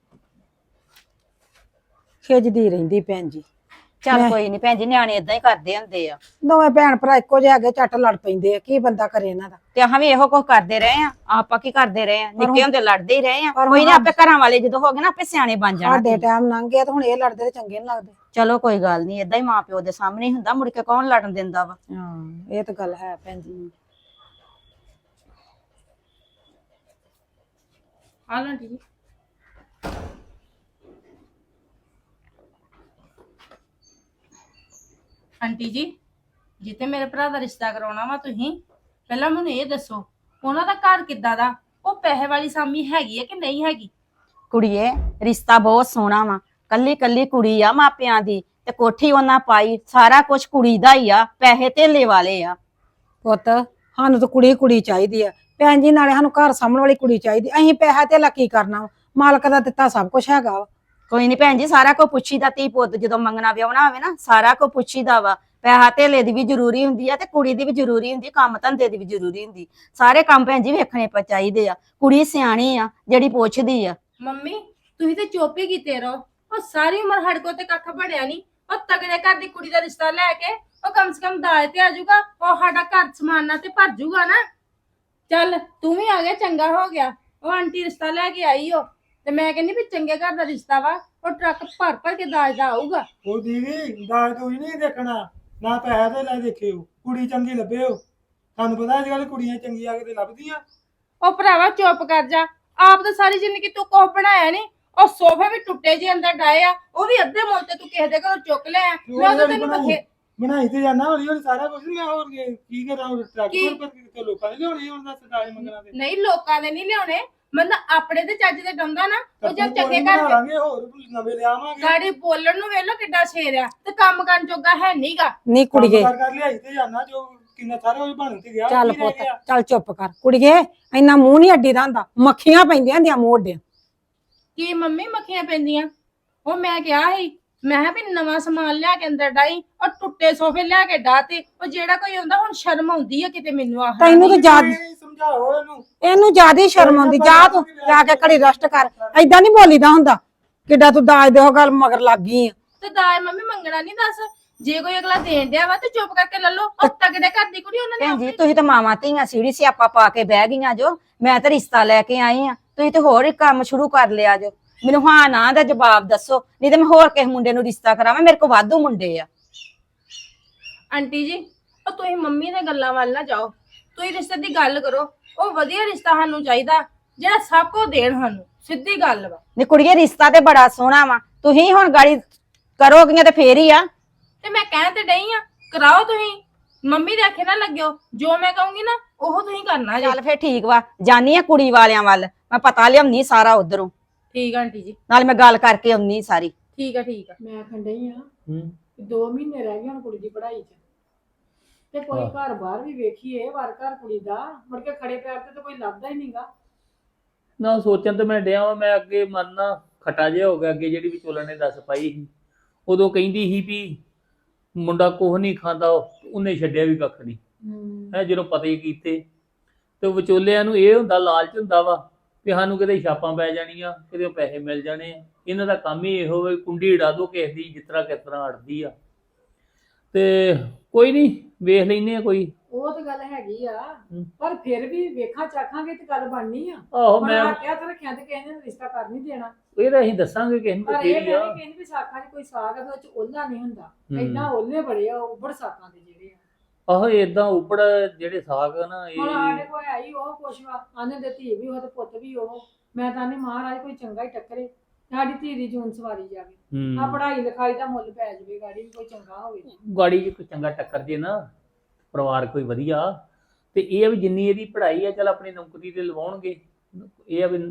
Speaker 2: ਖਿੱਚਦੀ ਰਹਿੰਦੀ ਭੈਣ ਜੀ।
Speaker 5: ਚੱਲ ਕੋਈ ਨਹੀਂ ਭੈਣ ਜੀ, ਨਿਆਣੇ ਇਦਾਂ ਹੀ ਕਰਦੇ ਹੁੰਦੇ ਆ।
Speaker 2: ਦੋਵੇਂ ਭੈਣ ਭਰਾ ਇੱਕੋ ਜਿਹੇ ਹੈਗੇ, ਝੱਟ ਲੜ ਪੈਂਦੇ ਆ, ਕੀ ਬੰਦਾ ਕਰੇ ਇਹਨਾਂ ਦਾ।
Speaker 5: ਤੇ ਅਸੀਂ ਵੀ ਇਹੋ ਕੁਝ ਕਰਦੇ ਰਹੇ ਆ, ਆਪਾਂ ਕੀ ਕਰਦੇ ਰਹੇ ਆ, ਨਿੱਕੇ ਹੁੰਦੇ ਲੜਦੇ ਹੀ ਰਹੇ ਆ।
Speaker 2: ਪਰ
Speaker 5: ਕੋਈ
Speaker 2: ਹੁਣ
Speaker 5: ਨਹੀਂ, ਆਪੇ ਘਰਾਂ ਵਾਲੇ ਜਦੋਂ ਹੋ ਗਏ ਨਾ ਆਪੇ ਸਿਆਣੇ ਬਣ ਜਾਣਾ।
Speaker 2: ਸਾਡੇ ਟਾਈਮ ਲੰਘ ਗਿਆ ਤੇ ਹੁਣ ਇਹ ਲੜਦੇ ਤੇ ਚੰਗੇ ਨੀ ਲੱਗਦੇ।
Speaker 5: ਚਲੋ ਕੋਈ ਗੱਲ ਨਹੀਂ, ਇਦਾਂ ਹੀ ਮਾਂ ਪਿਓ ਦੇ ਸਾਹਮਣੇ ਹੀ ਹੁੰਦਾ, ਮੁੜ ਕੇ ਕੌਣ ਲੜਨ ਦਿੰਦਾ ਵਾ।
Speaker 2: ਹਾਂ ਇਹ ਤਾਂ ਗੱਲ ਹੈ ਭੈਣ ਜੀ।
Speaker 3: ਆ ਲਓ ਆਂਟੀ ਜੀ। ਆਂਟੀ ਜੀ, ਜਿੱਤੇ ਮੇਰੇ ਭਰਾ ਦਾ ਰਿਸ਼ਤਾ ਕਰਾਉਣਾ ਵਾ ਤੁਸੀਂ ਪਹਿਲਾਂ ਮੈਨੂੰ ਇਹ ਦੱਸੋ ਉਹਨਾਂ ਦਾ ਘਰ ਕਿੱਦਾਂ ਦਾ? ਉਹ ਪੈਸੇ ਵਾਲੀ ਸਾਮੀ ਹੈਗੀ ਹੈ ਕਿ ਨਹੀਂ ਹੈਗੀ?
Speaker 5: ਕੁੜੀਏ ਰਿਸ਼ਤਾ ਬਹੁਤ ਸੋਹਣਾ ਵਾ, ਕੱਲੀ ਕੱਲੀ ਕੁੜੀ ਆ ਮਾਪਿਆਂ ਦੀ, ਤੇ ਕੋਠੀ ਉਹਨਾਂ ਪਾਈ, ਸਾਰਾ ਕੁਝ ਕੁੜੀ ਦਾ ਹੀ ਆ, ਪੈਸੇ ਧੇਲੇ ਵਾਲੇ ਆ।
Speaker 2: ਪੁੱਤ ਸਾਨੂੰ ਤਾਂ ਕੁੜੀ ਕੁੜੀ ਚਾਹੀਦੀ ਆ ਭੈਣ ਜੀ, ਨਾਲੇ ਸਾਨੂੰ ਘਰ ਸਾਂਭਣ ਵਾਲੀ ਕੁੜੀ ਚਾਹੀਦੀ। ਅਸੀਂ ਪੈਸਾ ਧੇਲਾ ਕੀ ਕਰਨਾ ਵਾ? ਮਾਲਕ ਦਾ ਦਿੱਤਾ ਸਭ ਕੁਝ ਹੈਗਾ ਵਾ।
Speaker 5: ਕੋਈ ਨਹੀਂ ਭੈਣ ਜੀ, ਸਾਰਾ ਕੁਝ ਪੁੱਛੀਦਾ, ਧੀ ਪੁੱਤ ਜਦੋਂ ਮੰਗਣਾ ਵਿਆਹਣਾ ਹੋਵੇ ਨਾ ਸਾਰਾ ਕੁਝ ਪੁੱਛੀਦਾ ਵਾ। ਪੈਸਾ ਧੇਲੇ ਦੀ ਵੀ ਜ਼ਰੂਰੀ ਹੁੰਦੀ ਆ ਤੇ ਕੁੜੀ ਦੀ ਵੀ ਜ਼ਰੂਰੀ ਹੁੰਦੀ, ਕੰਮ ਧੰਦੇ ਦੀ ਵੀ ਜ਼ਰੂਰੀ ਹੁੰਦੀ। ਸਾਰੇ ਕੰਮ ਭੈਣ ਜੀ ਵੇਖਣੇ ਚਾਹੀਦੇ ਆ। ਕੁੜੀ ਸਿਆਣੀ ਆ ਜਿਹੜੀ ਪੁੱਛਦੀ ਆ।
Speaker 3: ਮੰਮੀ ਤੁਸੀਂ ਤੇ ਚੁੱਪ ਹੀ ਕੀਤੇ ਰਹੋ। ਉਹ ਸਾਰੀ ਉਮਰ ਸਾਡੇ ਕੋਲ ਤੇ ਕੱਖ ਬਣਿਆ ਨਹੀਂ। ਉਹ ਤਗੜੇ ਘਰ ਦੀ ਕੁੜੀ ਦਾ ਰਿਸ਼ਤਾ ਲੈ ਕੇ ਉਹ ਕਮ ਸੇ ਕਮ ਦਾਜ ਤੇ ਆ ਜਾਊਗਾ, ਉਹ ਸਾਡਾ ਘਰ ਸਮਾਨਾ ਤੇ ਭਰ ਜਾਊਗਾ ਨਾ। ਚੱਲ ਤੂੰ ਵੀ ਆ ਗਿਆ, ਚੰਗਾ ਹੋ ਗਿਆ। ਉਹ ਆਂਟੀ ਰਿਸ਼ਤਾ ਲੈ ਕੇ ਆਈ ਹੋ ਤੇ ਮੈਂ ਕਹਿੰਦੀ ਵੀ ਚੰਗੇ ਘਰ ਦਾ ਰਿਸ਼ਤਾ ਵਾ, ਉਹ ਟਰੱਕ ਭਰ ਭਰ ਕੇ ਦਾਜ ਦਾ ਆਊਗਾ।
Speaker 1: ਉਹ ਦੀਦੀ ਦਾਜ ਤੂੰ ਨਹੀਂ ਦੇਖਣਾ, ਨਾ ਪੈਸਾ ਤੇ ਲੈ ਦੇਖਿਓ, ਕੁੜੀ ਚੰਗੀ ਲੱਭਿਓ। ਤੁਹਾਨੂੰ ਪਤਾ ਅੱਜ ਕੱਲ ਕੁੜੀਆਂ ਚੰਗੀਆਂ ਕਿਤੇ ਲੱਭਦੀਆਂ।
Speaker 3: ਉਹ ਭਰਾਵਾ ਚੁੱਪ ਕਰ ਜਾ। ਆਪ ਤਾਂ ਸਾਰੀ ਜ਼ਿੰਦਗੀ ਤੂੰ ਕੁਛ ਬਣਾਇਆ ਨਹੀਂ। ਉਹ ਸੋਫੇ ਵੀ ਟੁੱਟੇ ਜਿਹੇ ਅੰਦਰ ਡਾਏ ਆ, ਉਹ ਵੀ ਅੱਧੇ ਮੁੱਲ ਤੇ ਤੂੰ ਕਿਸੇ ਦੇ ਘਰੋਂ ਚੁੱਕ ਲਿਆ। ਮੈਂ ਤਾਂ ਤੈਨੂੰ
Speaker 1: ਬਣਾਈ ਤੇ ਜਾਣਾ, ਹੌਲੀ ਹੌਲੀ ਸਾਰਾ ਕੁਝ। ਮੈਂ ਹੋਰ ਕੀ ਕਰਾਂ? ਟਰੱਕ ਪਰ ਕਿਤੇ ਲੋਕਾਂ ਨੇ ਲਿਆਉਣੀ ਹੁਣ ਦੱਸ ਦਾਜ ਮੰਗਣਾ ਤੇ।
Speaker 3: ਨਹੀਂ ਲੋਕਾਂ ਦੇ ਨਹੀਂ ਲਿਆਉਣੇ, ਮਤਲਬ ਆਪਣੇ ਤੇ ਚੱਜ ਦੇ ਡੰਦਾ ਨਾ। ਉਹ ਜਦ ਚੰਗੇ
Speaker 1: ਬਣਾ
Speaker 3: ਘਰ
Speaker 1: ਲਾਂਗੇ, ਹੋਰ ਨਵੇਂ ਲਿਆਵਾਂਗੇ।
Speaker 3: ਗਾੜੀ ਬੋਲਣ ਨੂੰ ਵੇਖ ਲੋ ਕਿੱਡਾ ਸ਼ੇਰ ਆ, ਤੇ ਕੰਮ ਕਰਨ ਜੋਗਾ ਹੈ ਨਹੀਂਗਾ।
Speaker 2: ਨਹੀਂ ਕੁੜੀਏ
Speaker 1: ਕਰ ਲਿਆਈ ਤੇ ਜਾਣਾ, ਜੋ ਕਿੰਨਾ ਸਾਰਾ ਉਹ ਬਣ ਤੇ ਗਿਆ।
Speaker 2: ਚੱਲ
Speaker 1: ਕੀ ਰਹਿ
Speaker 2: ਪੁੱਤ
Speaker 1: ਗਿਆ?
Speaker 2: ਚੱਲ ਚੁੱਪ ਕਰ ਕੁੜੀਏ, ਇੰਨਾ ਮੂੰਹ ਨਹੀਂ ਅੱਡੀ ਦਾ ਹੁੰਦਾ, ਮੱਖੀਆਂ ਪੈਂਦੀਆਂ ਹੁੰਦੀਆਂ ਮੂੰਹ ਅੱਡੇ।
Speaker 3: ਕੀ ਮੰਮੀ ਮੱਖੀਆਂ ਪੈਂਦੀਆਂ? ਉਹ ਮੈਂ ਕਿਹਾ ਸੀ, ਮੈਂ ਕਿਹਾ ਵੀ ਨਵਾਂ ਸਮਾਨ ਲਿਆ ਕੇ ਅੰਦਰ ਡਾਈ, ਉਹ ਟੁੱਟੇ ਸੋਫੇ ਲਿਆ ਕੇ ਡਾਤੇ। ਉਹ ਜਿਹੜਾ ਕੋਈ ਆਉਂਦਾ ਹੁਣ ਸ਼ਰਮ ਆਉਂਦੀ ਆ ਕਿਤੇ ਮੈਨੂੰ ਆਹ।
Speaker 2: ਤੈਨੂੰ ਤਾਂ ਯਾਦ,
Speaker 1: ਸਮਝਾਓ ਇਹਨੂੰ।
Speaker 2: ਇਹਨੂੰ ਜ਼ਿਆਦਾ ਹੀ ਸ਼ਰਮ ਆਉਂਦੀ। ਜਾ ਤੂੰ ਜਾ ਕੇ ਘੜੀ ਰੈਸਟ ਕਰ, ਏਦਾਂ ਨਹੀਂ ਬੋਲੀਦਾ ਹੁੰਦਾ। ਕਿੱਡਾ ਤੂੰ ਦਾਜ ਦੇ ਉਹ ਗੱਲ ਮਗਰ ਲੱਗ ਗਈ ਆ।
Speaker 3: ਤੇ ਦਾਜ ਮੰਮੀ ਮੰਗਣਾ ਨਹੀਂ ਦੱਸ। ਜੇ ਕੋਈ ਅਗਲਾ ਦੇਣ ਡਿਆ ਵਾ ਤੇ ਚੁੱਪ ਕਰਕੇ ਲੈ ਲਓ। ਉਹ ਤਗੜੇ ਘਰ ਦੀ ਕੁੜੀ ਉਹਨਾਂ
Speaker 5: ਭੈਣ
Speaker 3: ਨੇ
Speaker 5: ਜੀ ਤੁਸੀਂ ਤਾਂ ਮਾਵਾਂ ਧੀਆਂ ਸੀੜੀ ਸਿਆਪਾ ਪਾ ਕੇ ਬਹਿ ਗਈਆਂ ਜੋ। ਮੈਂ ਤਾਂ ਰਿਸ਼ਤਾ ਲੈ ਕੇ ਆਈ ਆ, ਤੁਸੀਂ ਤੇ ਹੋਰ ਹੀ ਕੰਮ ਸ਼ੁਰੂ ਕਰ ਲਿਆ ਜੋ। ਮੈਨੂੰ ਹਾਂ ਨਾ ਦਾ ਜਵਾਬ ਦੱਸੋ, ਨਹੀਂ ਤੇ ਮੈਂ ਹੋਰ ਕਿਸੇ ਮੁੰਡੇ ਨੂੰ ਰਿਸ਼ਤਾ ਕਰਾਵਾਂ। ਮੇਰੇ ਕੋਲ ਵਾਧੂ ਮੁੰਡੇ ਆ।
Speaker 3: ਆਂਟੀ ਜੀ ਉਹ ਤੁਸੀਂ ਮੰਮੀ ਦੇ ਗੱਲਾਂ ਵੱਲ ਨਾ ਜਾਓ, ਤੁਸੀਂ ਰਿਸ਼ਤੇ ਦੀ ਗੱਲ ਕਰੋ। ਉਹ ਵਧੀਆ ਰਿਸ਼ਤਾ ਸਾਨੂੰ ਚਾਹੀਦਾ ਜਿਹੜਾ ਸਭ ਕੋ ਦੇਣ ਸਾਨੂੰ, ਸਿੱਧੀ ਗੱਲ ਵਾ।
Speaker 5: ਨੀ ਕੁੜੀਏ ਰਿਸ਼ਤਾ ਤੇ ਬੜਾ ਸੋਹਣਾ ਵਾ, ਤੁਸੀਂ ਹੁਣ ਗਾੜੀ ਕਰੋਗੀਆਂ ਤੇ ਫੇਰ ਹੀ ਆ।
Speaker 3: ਤੇ ਮੈਂ ਕਹਿਣ ਤੇ ਡਈ ਆ, ਕਰਾਓ ਤੁਸੀਂ। ਮੰਮੀ ਦੇ ਆਖੇ ਨਾ ਲੱਗਿਓ, ਜੋ ਮੈਂ ਕਹੂੰਗੀ ਨਾ ਉਹ ਤੁਸੀਂ ਕਰਨਾ ਜੀ।
Speaker 5: ਚੱਲ ਫੇਰ ਠੀਕ ਵਾ, ਜਾਨੀ ਆ ਕੁੜੀ ਵਾਲਿਆਂ ਵੱਲ, ਮੈਂ ਪਤਾ ਲਿਆਉਣੀ ਸਾਰਾ ਉਧਰੋਂ,
Speaker 3: ਠੀਕ ਆ ਆਂਟੀ ਜੀ,
Speaker 5: ਨਾਲ ਮੈਂ ਗੱਲ ਕਰਕੇ ਆਉਣੀ ਸਾਰੀ।
Speaker 3: ਠੀਕ ਆ ਠੀਕ ਆ।
Speaker 2: ਮੈਂ ਖੰਡਈ ਆ 2 ਮਹੀਨੇ ਰਹਿ ਗਏ ਹੁਣ ਕੁੜੀ ਦੀ ਪੜ੍ਹਾਈ 'ਚ, ਤੇ ਕੋਈ ਘਰ ਬਾਹਰ ਵੀ ਵੇਖੀਏ, ਵਾਰ ਘਰ ਕੁੜੀ ਦਾ ਮੁੜ ਕੇ ਖੜੇ ਪੈਰ ਤੇ ਤਾਂ ਕੋਈ ਲੱਭਦਾ ਹੀ ਨਹੀਂਗਾ।
Speaker 4: ਨਾ ਸੋਚਣ ਤੇ ਮੈਂ ਡਿਆ ਵਾਂ। ਮੈਂ ਅੱਗੇ ਮਨ ਨਾ ਖਟਾ ਜਿਹਾ ਹੋ ਗਿਆ। ਅੱਗੇ ਜਿਹੜੀ ਵਿਚੋਲਣ ਨੇ ਦੱਸ ਪਾਈ ਸੀ, ਉਦੋਂ ਕਹਿੰਦੀ ਸੀ ਵੀ ਮੁੰਡਾ ਕੁਛ ਨਹੀਂ ਖਾਂਦਾ, ਉਹਨੇ ਛੱਡਿਆ ਵੀ ਕੱਖ ਨਹੀਂ ਹੈ। ਜਦੋਂ ਪਤਾ ਹੀ ਕੀਤੇ ਤੇ ਵਿਚੋਲਿਆਂ ਨੂੰ ਇਹ ਹੁੰਦਾ, ਲਾਲਚ ਹੁੰਦਾ ਵਾ ਵੀ ਸਾਨੂੰ ਕਿਤੇ ਛਾਪਾਂ ਪੈ ਜਾਣੀਆਂ, ਕਿਤੇ ਪੈਸੇ ਮਿਲ ਜਾਣੇ ਆ। ਇਹਨਾਂ ਦਾ ਕੰਮ ਹੀ ਇਹੋ ਵੇ, ਕੁੰਡੀ ਉਡਾ ਦੋ ਕਿਸੇ ਦੀ, ਜਿਸ ਤਰ੍ਹਾਂ ਕਿਸ ਤਰ੍ਹਾਂ ਅੜਦੀ ਆ। ਤੇ ਕੋਈ ਨਹੀਂ, ਵੇਖ ਲੈਨੇ ਆ ਕੋਈ।
Speaker 2: ਉਹ ਤਾਂ ਗੱਲ ਹੈਗੀ ਆ, ਪਰ ਫਿਰ ਵੀ ਵੇਖਾਂ ਚਾਖਾਂਗੇ ਤੇ ਗੱਲ ਬਣਨੀ ਆ।
Speaker 4: ਆਹੋ ਮੈਂ
Speaker 2: ਕਿਹਾ ਤਾਂ ਰੱਖਿਆ ਤੇ ਕਿਸੇ ਨੇ ਰਿਸ਼ਤਾ ਕਰ ਨਹੀਂ ਦੇਣਾ।
Speaker 4: ਇਹ ਤਾਂ ਅਸੀਂ ਦੱਸਾਂਗੇ ਕਿਸੇ ਨੂੰ,
Speaker 2: ਪਰ
Speaker 4: ਫੇਰ
Speaker 2: ਇਹ
Speaker 4: ਹੀ ਆ।
Speaker 2: ਮੈਂ ਕਹਿੰਦੀ ਵੀ ਸਾਖਾਂ 'ਚ ਕੋਈ ਸਾਗ ਆ ਤੇ ਉਹ 'ਚ ਓਲਾ ਨਹੀਂ ਹੁੰਦਾ। ਏਦਾਂ ਓਲੇ ਬੜੇ ਆ, ਉੱਬੜ ਸਾਕਾਂ ਦੇ ਜਿਹੜੇ ਆ।
Speaker 4: ਆਹੋ ਏਦਾਂ ਉੱਪੜ ਜਿਹੜੇ ਸਾਗ ਆ ਨਾ,
Speaker 2: ਹੁਣ
Speaker 4: ਇਹ
Speaker 2: ਸਾਡੇ ਕੋਲ ਆਈ ਉਹ ਕੁਛ ਵਾ, ਆਨੇ ਦੇ ਧੀ ਵੀ ਉਹ ਤੇ ਪੁੱਤ ਵੀ ਉਹ। ਮੈਂ ਤਾਂ ਨਹੀਂ ਮਹਾਰਾਜ ਕੋਈ ਚੰਗਾ ਹੀ ਟੱਕਰੇ, ਸਾਡੀ ਧੀ ਦੀ ਜੂਨ ਸਵਾਰੀ ਜਾਵੇ। ਆ ਪੜ੍ਹਾਈ ਲਿਖਾਈ ਦਾ ਮੁੱਲ ਪੈ ਜਾਵੇ, ਗਾੜੀ ਵੀ ਕੋਈ ਚੰਗਾ ਹੋਵੇ।
Speaker 4: ਗਾੜੀ ਜੇ ਕੋਈ ਚੰਗਾ ਟੱਕਰ ਜੇ ਨਾ, ਪਰਿਵਾਰ ਕੋਈ ਵਧੀਆ, ਤੇ ਇਹ ਆ ਵੀ ਜਿੰਨੀ ਇਹਦੀ ਪੜ੍ਹਾਈ ਆ ਚੱਲ ਆਪਣੀ ਨੌਕਰੀ ਤੇ ਲਵਾਉਣਗੇ। ਇਹ ਆ ਵੀ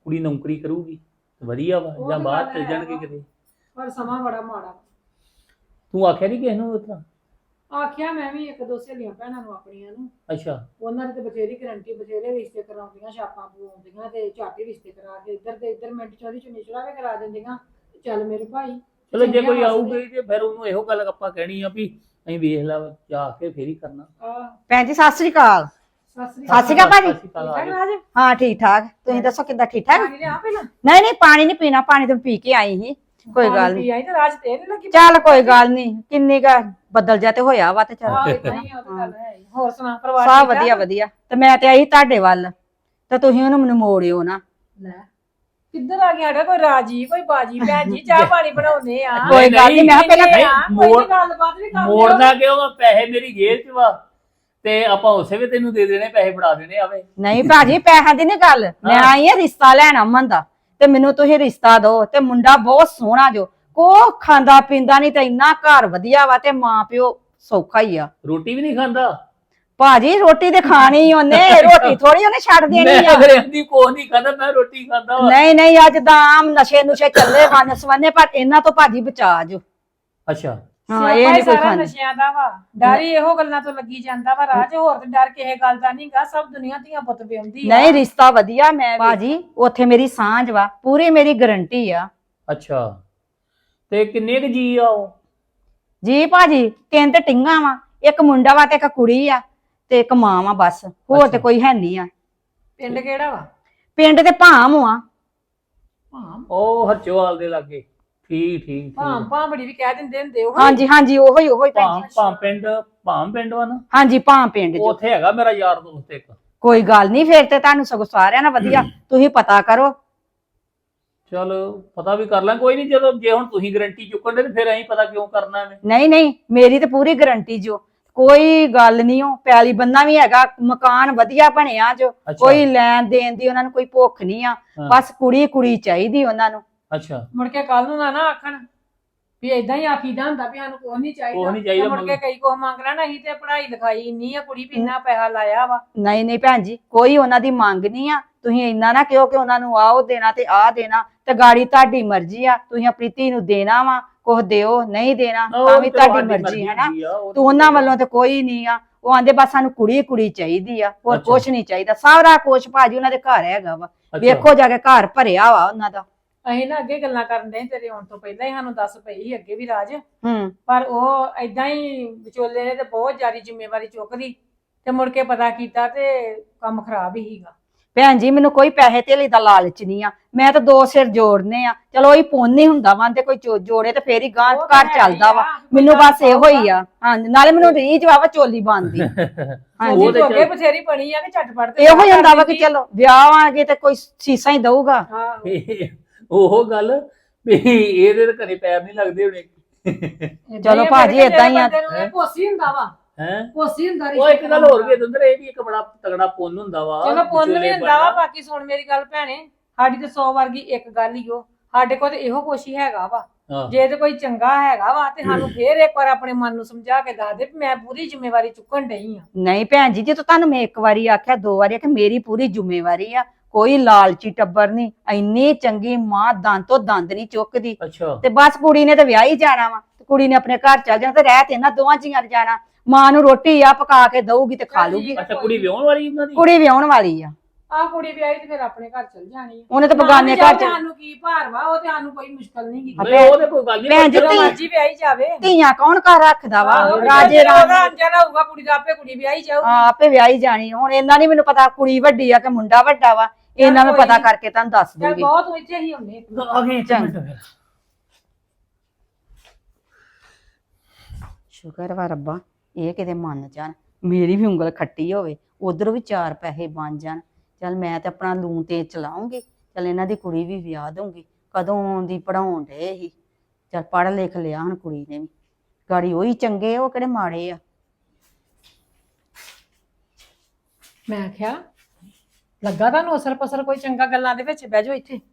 Speaker 4: ਕੁੜੀ ਨੌਕਰੀ ਕਰੂਗੀ ਵਧੀਆ ਵਾ
Speaker 2: ਉਹ
Speaker 4: ਜਾਂ
Speaker 2: ਤਾਂ
Speaker 4: ਬਾਹਰ
Speaker 2: ਗੱਲ
Speaker 4: ਚਲ
Speaker 2: ਹੈ
Speaker 4: ਜਾਣਗੇ
Speaker 2: ਵਾ।
Speaker 4: ਕਿਤੇ।
Speaker 2: ਪਰ ਸਮਾਂ ਬੜਾ ਮਾੜਾ।
Speaker 4: ਤੂੰ ਆਖਿਆ ਨਹੀਂ ਕਿਸ ਨੂੰ ਉਤਰਾ?
Speaker 2: ਆਖਿਆ ਮੈਂ ਵੀ ਇੱਕ ਦੋ ਸਹੇਲੀਆਂ ਭੈਣਾਂ ਨੂੰ ਆਪਣੀਆਂ ਨੂੰ,
Speaker 4: ਅੱਛਾ
Speaker 2: ਉਹਨਾਂ ਦੀ ਤੇ ਬਥੇਰੀ ਗਰੰਟੀ, ਬਥੇਰੇ ਰਿਸ਼ਤੇ ਕਰਾਉਂਦੀਆਂ, ਛਾਪਾਂ ਪਵਾਉਂਦੀਆਂ ਤੇ ਝਾਟੀ ਰਿਸ਼ਤੇ ਕਰਾ ਕੇ ਇੱਧਰ ਤੇ ਇੱਧਰ ਮਿੰਟ ਚੋਰੀ ਚੁੰਨੀ ਚੜਾਵੇ ਕਰਾ ਦਿੰਦੀਆਂ। ਚੱਲ ਮੇਰੇ ਭਾਈ
Speaker 4: ਚਲੋ ਜੇ
Speaker 2: ਚੰਗੀਆਂ
Speaker 4: ਕੋਈ
Speaker 2: ਵਸਦੇ।
Speaker 4: ਆਊਗੀ ਤੇ ਫਿਰ ਉਹਨੂੰ ਇਹੋ ਗੱਲ ਆਪਾਂ ਕਹਿਣੀ ਆ ਵੀ ਅਸੀਂ ਵੇਖ ਲਾ ਜਾ ਕੇ ਫੇਰ ਹੀ ਕਰਨਾ।
Speaker 2: ਆਹ,
Speaker 5: ਭੈਣ ਜੀ ਸਤਿ ਸ੍ਰੀ ਅਕਾਲ।
Speaker 2: ਸਤਿ ਸ੍ਰੀ
Speaker 5: ਸਤਿ ਸ਼੍ਰੀ ਅਕਾਲ ਭਾਜੀ।
Speaker 4: ਸਤਿ ਸ਼੍ਰੀ ਅਕਾਲ,
Speaker 2: ਠੀਕ
Speaker 4: ਆ
Speaker 2: ਠਾਕ
Speaker 4: ਜਾਓ।
Speaker 2: ਰਾਜ?
Speaker 5: ਹਾਂ ਠੀਕ ਠਾਕ, ਤੁਸੀਂ ਦੱਸੋ ਕਿੱਦਾਂ ਠੀਕ ਠਾਕ?
Speaker 2: ਪਾਣੀ ਲਿਆ ਪਹਿਲਾਂ?
Speaker 5: ਨਹੀਂ ਨਹੀਂ ਪਾਣੀ ਨਹੀਂ ਪੀਣਾ, ਪਾਣੀ ਤਾਂ ਪੀ ਕੇ ਆਈ ਸੀ, ਕੋਈ ਗੱਲ
Speaker 2: ਪਾਣੀ
Speaker 5: ਨਹੀਂ।
Speaker 2: ਪੀ ਆਈ ਤੇ ਰਾਜ ਤੇ ਨਹੀਂ ਲੱਗੀ।
Speaker 5: ਚੱਲ ਕੋਈ ਗੱਲ ਨਹੀਂ, ਕਿੰਨੀ ਕਾ ਬੱਦਲ ਜਾ ਤੇ ਹੋਇਆ ਵਾ ਤੇ ਚੱਲ
Speaker 2: ਆਹ ਇਦਾਂ ਹੀ ਆ, ਉਹ ਤਾਂ ਗੱਲ ਹੈ ਹੀ। ਹੋਰ ਸੁਣਾ ਪਰਿਵਾਰ
Speaker 5: ਸਭ
Speaker 2: ਠੀਕ ਠਾਕ?
Speaker 5: ਵਧੀਆ ਵਧੀਆ। ਤੇ ਮੈਂ ਤੇ ਆਈ ਤੁਹਾਡੇ ਵੱਲ, ਤੇ ਤੁਸੀਂ ਉਹਨੂੰ ਮੈਨੂੰ ਮੋੜਿਓ ਨਾ।
Speaker 2: ਲੈ ਕਿੱਧਰ ਆ ਗਿਆ ਕੋਈ ਰਾਜੀ ਕੋਈ ਬਾਜੀ ਭੈਣ ਜੀ, ਚਾਹ ਪਾਣੀ ਬਣਾਉਨੇ ਆ।
Speaker 5: ਕੋਈ ਗੱਲ ਨਹੀਂ, ਮੈਂ ਕਿਹਾ ਪਹਿਲਾਂ
Speaker 4: ਮੋੜ-
Speaker 2: ਗੱਲਬਾਤ ਵੀ ਕਰ ਲਿਓ।
Speaker 4: ਮੋੜਨਾ ਕਿਉਂ ਵਾ? ਪੈਸੇ ਮੇਰੀ ਜੇਬ 'ਚ ਵਾ ਤੇ ਆਪਾਂ ਉਸੇ ਵੇ ਤੈਨੂੰ ਦੇ ਦੇਣੇ, ਪੈਸੇ ਫੜਾ ਦੇਣੇ ਆਵੇ।
Speaker 5: ਨਹੀਂ ਭਾਜੀ ਪੈਸਿਆਂ ਦੀ ਨੀ ਗੱਲ, ਮੈਂ ਆਈ ਆ ਰਿਸ਼ਤਾ ਲੈਣ ਅਮਨ ਦਾ, ਤੇ ਮੈਨੂੰ ਤੁਸੀਂ ਰਿਸ਼ਤਾ ਦਿਓ। ਤੇ ਮੁੰਡਾ ਬਹੁਤ ਸੋਹਣਾ ਜੋ, ਕੋ ਖਾਂਦਾ ਪੀਂਦਾ ਨਹੀਂ, ਤੇ ਇੰਨਾ ਘਰ ਵਧੀਆ ਵਾ, ਤੇ ਮਾਂ ਪਿਓ ਸੌਖਾ ਹੀ ਆ।
Speaker 4: ਰੋਟੀ ਵੀ ਨਹੀਂ ਖਾਂਦਾ।
Speaker 5: ਭਾਜੀ ਰੋਟੀ ਤੇ ਖਾਣੀ ਉਹਨੇ, ਰੋਟੀ ਥੋੜੀ ਉਹਨੇ ਛੱਡ ਦੇਣੀ
Speaker 4: ਮੈਂ
Speaker 5: ਆ।
Speaker 4: ਅਗਲੇ ਦੀ ਕੋਹ ਨਹੀਂ ਖਾਂਦਾ, ਮੈਂ ਰੋਟੀ ਖਾਂਦਾ ਵਾ।
Speaker 5: ਨਹੀਂ ਨਹੀਂ, ਅੱਜ ਤਾਂ ਆਮ ਨਸ਼ੇ ਨੁਸ਼ੇ ਚੱਲੇ ਵੰਨ ਸਵੰਨੇ, ਪਰ ਇਹਨਾਂ ਤੋਂ ਭਾਜੀ ਬਚਾ ਜੋ।
Speaker 4: ਅੱਛਾ
Speaker 5: ਹਾਂ ਇਹ ਨਹੀਂ ਕੋਈ
Speaker 2: ਸਾਰਾ
Speaker 5: ਖਾਂਦਾ।
Speaker 2: ਨਸ਼ਿਆਂ ਦਾ ਵਾ, ਡਰ ਹੀ ਇਹੋ ਗੱਲਾਂ ਤੋਂ ਲੱਗੀ ਜਾਂਦਾ ਵਾ ਰਾਜ, ਹੋਰ ਤੇ ਡਰ ਕਿਸੇ ਗੱਲ ਦਾ ਨਹੀਂਗਾ। ਸਭ ਦੁਨੀਆ ਧੀਆਂ ਪੁੱਤ ਵਿਆਉਂਦੀ ਆ।
Speaker 5: ਨਹੀਂ ਰਿਸ਼ਤਾ ਵਧੀਆ, ਮੈਂ ਭਾਜੀ ਉੱਥੇ ਮੇਰੀ ਸਾਂਝ ਵਾ, ਪੂਰੀ ਮੇਰੀ ਗਰੰਟੀ ਆ
Speaker 4: ਅੱਛਾ ਤੇ ਕਿੰਨੇ ਕੁ ਜੀ ਆ ਉਹ?
Speaker 5: ਜੀ ਭਾਜੀ। ਤਿੰਨ ਤੇ ਟਿੰਗਾ ਵਾ, ਇੱਕ ਮੁੰਡਾ ਵਾ ਤੇ ਇੱਕ ਕੁੜੀ ਆ, ਤੇ ਇੱਕ ਮਾਂ ਵਾ, ਬਸ ਹੋਰ ਤੇ
Speaker 4: ਅੱਛਾ।
Speaker 5: ਕੋਈ ਹੈ ਨਹੀਂ ਆ।
Speaker 2: ਪਿੰਡ ਕਿਹੜਾ ਵਾ?
Speaker 5: ਪਿੰਡ ਤੇ ਭਾਮ ਆ।
Speaker 2: ਭਾਮ
Speaker 4: ਉਹ ਹਰਚੋਵਾਲ ਦੇ ਲਾਗੇ। ਠੀਕ ਠੀਕ
Speaker 2: ਭਾਮ ਭਾਂਬੜੀ ਵੀ ਕਹਿ ਦਿੰਦੇ ਹੁੰਦੇ ਉਹ।
Speaker 5: ਹਾਂਜੀ ਹਾਂਜੀ ਉਹੋ ਹੀ ਭੈਣ
Speaker 4: ਭਾਮ
Speaker 5: ਜੀ।
Speaker 4: ਭਾਮ ਪਿੰਡ ਵਾ ਨਾ,
Speaker 5: ਹਾਂਜੀ ਭਾਮ ਪਿੰਡ ਜੋ।
Speaker 4: ਉੱਥੇ ਹੈਗਾ ਮੇਰਾ ਯਾਰ ਦੋਸਤ ਇੱਕ।
Speaker 5: ਕੋਈ ਗੱਲ ਨਹੀਂ, ਫੇਰ ਤੇ ਤੁਹਾਨੂੰ ਸਗੋਂ ਸਾਰਿਆਂ ਨਾਲ ਵਧੀਆ, ਤੁਸੀਂ ਪਤਾ ਕਰੋ।
Speaker 4: ਚਲ ਪਤਾ ਵੀ ਕਰ ਲਾਂ, ਕੋਈ ਨਹੀਂ। ਜਦੋਂ ਜੇ ਹੁਣ ਤੁਸੀਂ ਗਰੰਟੀ ਚੁੱਕਣ ਦੇ ਤੇ ਫਿਰ ਅਸੀਂ ਪਤਾ ਕਿਉਂ ਕਰਨਾ ਐਵੇਂ।
Speaker 5: ਨਹੀਂ ਨਹੀਂ, ਮੇਰੀ ਤੇ ਪੂਰੀ ਗਰੰਟੀ ਜੋ, ਕੋਈ ਗੱਲ ਨਹੀਂ। ਉਹ ਪੈਲੀ ਬੰਨਾ ਵੀ ਹੈਗਾ, ਮਕਾਨ ਵਧੀਆ ਬਣਿਆ ਜੋ,
Speaker 4: ਅੱਛਾ।
Speaker 5: ਕੋਈ ਲੈਣ ਦੇਣ ਦੀ ਉਹਨਾਂ ਨੂੰ ਕੋਈ ਭੁੱਖ ਨਹੀਂ ਆ।
Speaker 4: ਹਾਂ।
Speaker 5: ਬਸ ਕੁੜੀ ਕੁੜੀ ਚਾਹੀਦੀ ਉਹਨਾਂ ਨੂੰ।
Speaker 4: ਅੱਛਾ
Speaker 2: ਮੁੜ ਕੇ ਕੱਲ ਨੂੰ ਨਾ ਆਖਣ ਵੀ ਏਦਾਂ ਹੀ ਆਖੀਦਾ ਹੁੰਦਾ ਵੀ ਸਾਨੂੰ ਕੁਛ ਨਹੀਂ ਚਾਹੀਦਾ।
Speaker 4: ਕੁਛ ਨੀ ਚਾਹੀਦਾ,
Speaker 2: ਤੇ ਮੁੜ ਕੇ ਕਈ ਕੁਛ ਮੰਗ ਲੈਣਾ। ਅਸੀਂ ਤੇ ਪੜ੍ਹਾਈ ਲਿਖਾਈ ਇੰਨੀ ਆ, ਕੁੜੀ ਵੀ ਇੰਨਾ ਪੈਸਾ ਲਾਇਆ ਵਾ।
Speaker 5: ਨਹੀਂ ਨਹੀਂ ਭੈਣ ਜੀ, ਕੋਈ ਉਹਨਾਂ ਦੀ ਮੰਗ ਨਹੀਂ ਆ। ਤੁਸੀਂ ਇੰਨਾ ਨਾ ਕਿਉਂ ਕਿ ਉਹਨਾਂ ਨੂੰ ਆਹ ਦੇਣਾ ਤੇ ਆਹ ਦੇਣਾ, ਤੇ ਗਾੜੀ ਤੁਹਾਡੀ ਮਰਜ਼ੀ ਆ। ਤੁਸੀਂ ਆਪਣੀ ਧੀ ਨੂੰ ਦੇਣਾ ਵਾ, ਕੁਛ ਦਿਓ, ਨਹੀਂ ਦੇਣਾ ਤਾਂ ਵੀ ਤੁਹਾਡੀ ਮਰਜ਼ੀ ਹੈ ਨਾ। ਤੇ ਉਹਨਾਂ ਵੱਲੋਂ ਤੇ ਕੋਈ ਨਹੀਂ ਆ। ਉਹ ਆਂਦੇ ਬਸ ਸਾਨੂੰ ਕੁੜੀ ਕੁੜੀ ਚਾਹੀਦੀ ਆ, ਹੋਰ
Speaker 4: ਅੱਛਾ।
Speaker 5: ਕੁਛ ਨਹੀਂ ਚਾਹੀਦਾ। ਸਾਰਾ ਕੁਛ ਭਾਜੀ ਉਹਨਾਂ ਦੇ ਘਰ ਹੈਗਾ ਵਾ, ਵੇਖੋ ਜਾ ਕੇ ਘਰ ਭਰਿਆ ਵਾ ਉਹਨਾਂ ਦਾ।
Speaker 2: ਅਸੀਂ ਨਾ ਅੱਗੇ ਗੱਲਾਂ ਕਰਨ ਦੇ ਤੇਰੇ ਆਉਣ ਤੋਂ ਪਹਿਲਾਂ ਹੀ ਸਾਨੂੰ ਦੱਸ ਪਈ ਸੀ ਅੱਗੇ ਵੀ ਰਾਜ,
Speaker 5: ਹੂੰ
Speaker 2: ਪਰ ਉਹ ਏਦਾਂ ਹੀ ਵਿਚੋਲੇ ਨੇ ਤੇ ਬਹੁਤ ਜ਼ਿਆਦਾ ਜ਼ਿੰਮੇਵਾਰੀ ਚੁੱਕ ਲਈ, ਤੇ ਮੁੜ ਕੇ ਪਤਾ ਕੀਤਾ ਤੇ ਕੰਮ ਖਰਾਬ ਹੀ ਸੀਗਾ।
Speaker 5: ਭੈਣ ਜੀ ਮੈਨੂੰ ਕੋਈ ਪੈਸੇ ਧੇਲੇ ਦਾ ਲਾਲਚ ਨਹੀਂ ਆ। ਮੈਂ ਤਾਂ ਦੋ ਸਿਰ ਜੋੜਨੇ ਆ, ਚਲੋ ਇਹ ਪੁੰਨ ਹੀ ਹੁੰਦਾ ਵਾ, ਤੇ ਕੋਈ ਜੋੜੇ ਤੇ ਫੇਰ ਹੀ ਗਾਂ
Speaker 2: ਉਹ ਤਾਂ
Speaker 5: ਘਰ
Speaker 2: ਹੈ
Speaker 5: ਚੱਲਦਾ
Speaker 2: ਹੀ
Speaker 5: ਵਾ।
Speaker 2: ਆ,
Speaker 5: ਮੈਨੂੰ
Speaker 2: ਕੋਈ
Speaker 5: ਬਸ ਇਹੋ ਹੀ ਆ। ਹਾਂਜੀ ਨਾਲੇ ਮੈਨੂੰ ਰੀਝ ਵਾ ਚੋਲੀ ਬਣਦੀ। ਹਾਂਜੀ
Speaker 2: ਉਹ
Speaker 4: ਤੇ
Speaker 2: ਜੋਗੇ
Speaker 4: ਚੱਲ-
Speaker 2: ਬਥੇਰੀ ਬਣੀ ਆ ਕਿ ਝਟਪਟ ਤੇ
Speaker 5: ਇਹੋ ਹੀ
Speaker 2: ਵਿਆਹ
Speaker 5: ਹੁੰਦਾ
Speaker 2: ਕਰ
Speaker 5: ਵਾ ਕਿ
Speaker 2: ਦਿੰਦੀ।
Speaker 5: ਚਲੋ ਵਿਆਹ ਆਗੇ ਤੇ ਕੋਈ ਸੀਸਾ ਹੀ ਦਊਗਾ।
Speaker 2: ਆਹੋ।
Speaker 4: ਉਹ ਗੱਲ ਵੀ ਇਹਦੇ ਤੇ ਘਰੇ ਪੈਰ ਨਹੀਂ ਲੱਗਦੇ ਹੋਣੇ।
Speaker 5: ਚਲੋ
Speaker 2: ਏਦਾਂ ਹੀ ਆ,
Speaker 5: ਭਾਜੀ,
Speaker 2: ਫਿਰ
Speaker 5: ਏਦਾਂ ਹੀ ਆ।
Speaker 2: ਬੰਦੇ ਨੂੰ ਇਹ ਭੋਸੀ ਹੁੰਦਾ ਵਾ,
Speaker 4: ਹੈ
Speaker 2: ਭੋਸੀ ਹੁੰਦਾ
Speaker 4: ਉਹ ਇੱਕ ਗੱਲ ਹੋਰ ਵੀ ਦੰਦਰ, ਇਹ ਵੀ ਇੱਕ ਬੜਾ ਤਗੜਾ ਪੁੰਨ ਹੁੰਦਾ ਵਾ।
Speaker 2: ਚਲੋ ਪੁੰਨ ਵੀ
Speaker 4: ਵਿਚੋਲੇ
Speaker 2: ਹੁੰਦਾ ਵਾ।
Speaker 4: ਬਣਨਾ।
Speaker 2: ਬਾਕੀ ਸੁਣ ਮੇਰੀ ਗੱਲ ਭੈਣੇ, ਸਾਡੀ ਤੇ 100 ਵਰਗੀ ਇੱਕ ਗੱਲ ਹੀ ਉਹ, ਸਾਡੇ ਕੋਲ ਤੇ ਇਹੋ ਕੁਛ ਹੀ ਹੈਗਾ ਵਾ।
Speaker 4: ਹਾਂ।
Speaker 2: ਜੇ ਤੇ ਕੋਈ ਚੰਗਾ ਹੈਗਾ ਵਾ ਤੇ ਸਾਨੂੰ ਫੇਰ ਇੱਕ ਵਾਰ ਆਪਣੇ ਮਨ ਨੂੰ ਸਮਝਾ ਕੇ ਦੱਸ ਦੇ ਵੀ ਮੈਂ ਪੂਰੀ ਜ਼ਿੰਮੇਵਾਰੀ ਚੁੱਕਣ ਡਈ ਆ।
Speaker 5: ਨਹੀਂ ਭੈਣ ਜੀ, ਜੇ ਤੁਹਾਨੂੰ ਮੈਂ ਇੱਕ ਵਾਰੀ ਆਖਿਆ, ਦੋ ਵਾਰੀ ਆਖਿਆ, ਮੇਰੀ ਪੂਰੀ ਜ਼ਿੰਮੇਵਾਰੀ ਆ। ਕੋਈ ਲਾਲਚੀ ਟੱਬਰ ਨਹੀਂ, ਇੰਨੀ ਚੰਗੀ ਮਾਂ ਦੰਦ ਤੋਂ ਦੰਦ ਨਹੀਂ ਚੁੱਕਦੀ।
Speaker 4: ਅੱਛਾ
Speaker 5: ਤੇ ਬਸ ਕੁੜੀ ਨੇ ਤੇ ਵਿਆਹ ਹੀ ਜਾਣਾ ਵਾ, ਤੇ ਕੁੜੀ ਨੇ ਆਪਣੇ ਘਰ ਚੱਲ ਜਾਣਾ, ਤੇ ਰਹਿ ਤੇ ਇਹਨਾਂ ਦੋਵਾਂ ਜੀਆਂ ਨੇ ਜਾਣਾ। ਮਾਂ ਨੂੰ ਰੋਟੀ ਆ ਪਕਾ ਕੇ ਦਊਗੀ ਤੇ ਖਾ ਲੂਗੀ।
Speaker 4: ਅੱਛਾ ਕੁੜੀ ਵਿਆਹਣ ਵਾਲੀ ਉਹਨਾਂ ਦੀ?
Speaker 5: ਕੁੜੀ ਵਿਆਹਣ ਵਾਲੀ ਆ,
Speaker 2: ਆਹ ਕੁੜੀ ਵਿਆਹੀ ਤੇ ਫਿਰ ਆਪਣੇ ਘਰ ਚਲ ਜਾਣੀ ਆ।
Speaker 5: ਉਹਨੇ ਤਾਂ
Speaker 2: ਨਾ
Speaker 5: ਬਗਾਨੇ
Speaker 2: ਵੀ
Speaker 5: ਘਰ
Speaker 2: ਜਾਓ ਤੇ
Speaker 5: ਚ।
Speaker 2: ਸਾਨੂੰ ਕੀ ਭਾਰ ਵਾ, ਉਹ ਤੇ ਸਾਨੂੰ ਕੋਈ ਮੁਸ਼ਕਲ ਨਹੀਂ ਗੀ।
Speaker 4: ਨਹੀਂ ਉਹ ਤੇ ਕੋਈ ਗੱਲ ਨਹੀਂ।
Speaker 5: ਭੈਣ ਜੀ,
Speaker 2: ਜਦੋਂ
Speaker 5: ਧੀ-
Speaker 2: ਮਰਜੀ ਵਿਆਹੀ ਜਾਵੇ।
Speaker 5: ਧੀਆਂ ਕੌਣ ਘਰ ਰੱਖਦਾ ਵਾ?
Speaker 2: ਆਹੋ,
Speaker 5: ਰਾਜੇ
Speaker 2: ਜਦੋਂ ਉਹਦਾ
Speaker 5: ਰਾਣੀ
Speaker 2: ਅੰਜਲ ਹੋਊਗਾ ਕੁੜੀ ਦਾ, ਆਪੇ ਕੁੜੀ ਵਿਆਹੀ ਜਾਊਗੀ।
Speaker 5: ਆਪੇ ਵਿਆਹੀ ਜਾਣੀ। ਹੁਣ ਇਹਨਾਂ ਨਹੀਂ ਮੈਨੂੰ ਪਤਾ ਕੁੜੀ ਵੱਡੀ ਆ ਕਿ ਮੁੰਡਾ ਵੱਡਾ ਵਾ, ਇਹਨਾਂ ਨੂੰ
Speaker 2: ਕੋਈ
Speaker 5: ਪਤਾ
Speaker 2: ਨੀ।
Speaker 5: ਕਰਕੇ ਤੁਹਾਨੂੰ ਦੱਸ
Speaker 2: ਚੱਲ
Speaker 5: ਦੂੰਗੀ।
Speaker 2: ਬਹੁਤ ਇੱਥੇ ਹੀ ਹੁੰਦੇ।
Speaker 4: ਆ ਗਏ ਇੱਕ ਮਿੰਟ ਫਿਰ।
Speaker 5: ਸ਼ੁਕਰ ਵਾ ਰੱਬਾ, ਇਹ ਕਿਤੇ ਮੰਨ ਜਾਣ, ਮੇਰੀ ਵੀ ਉਂਗਲ ਖੱਟੀ ਹੋਵੇ, ਉਧਰੋਂ ਵੀ 4 ਪੈਸੇ ਬਣ ਜਾਣ। ਚੱਲ ਮੈਂ ਤੇ ਆਪਣਾ ਲੂਣ ਤੇ ਚਲਾਉਂਗੀ। ਚੱਲ ਇਹਨਾਂ ਦੀ ਕੁੜੀ ਵੀ ਵਿਆਹ ਦਊਂਗੀ। ਕਦੋਂ ਦੀ ਪੜਾਉਣ ਡੇ ਹੀ, ਚੱਲ ਪੜ੍ਹ ਲਿਖ ਲਿਆ ਹੁਣ ਕੁੜੀ ਨੇ ਵੀ, ਗਾੜੀ ਉਹੀ ਚੰਗੇ, ਉਹ ਕਿਹੜੇ ਮਾੜੇ ਆ।
Speaker 2: ਮੈਂ ਆਖਿਆ ਲੱਗਾ ਤੁਹਾਨੂੰ ਅਸਰ ਪਸਰ ਕੋਈ ਚੰਗਾ ਗੱਲਾਂ ਦੇ ਵਿੱਚ, ਬਹਿ ਜਾਓ ਇੱਥੇ।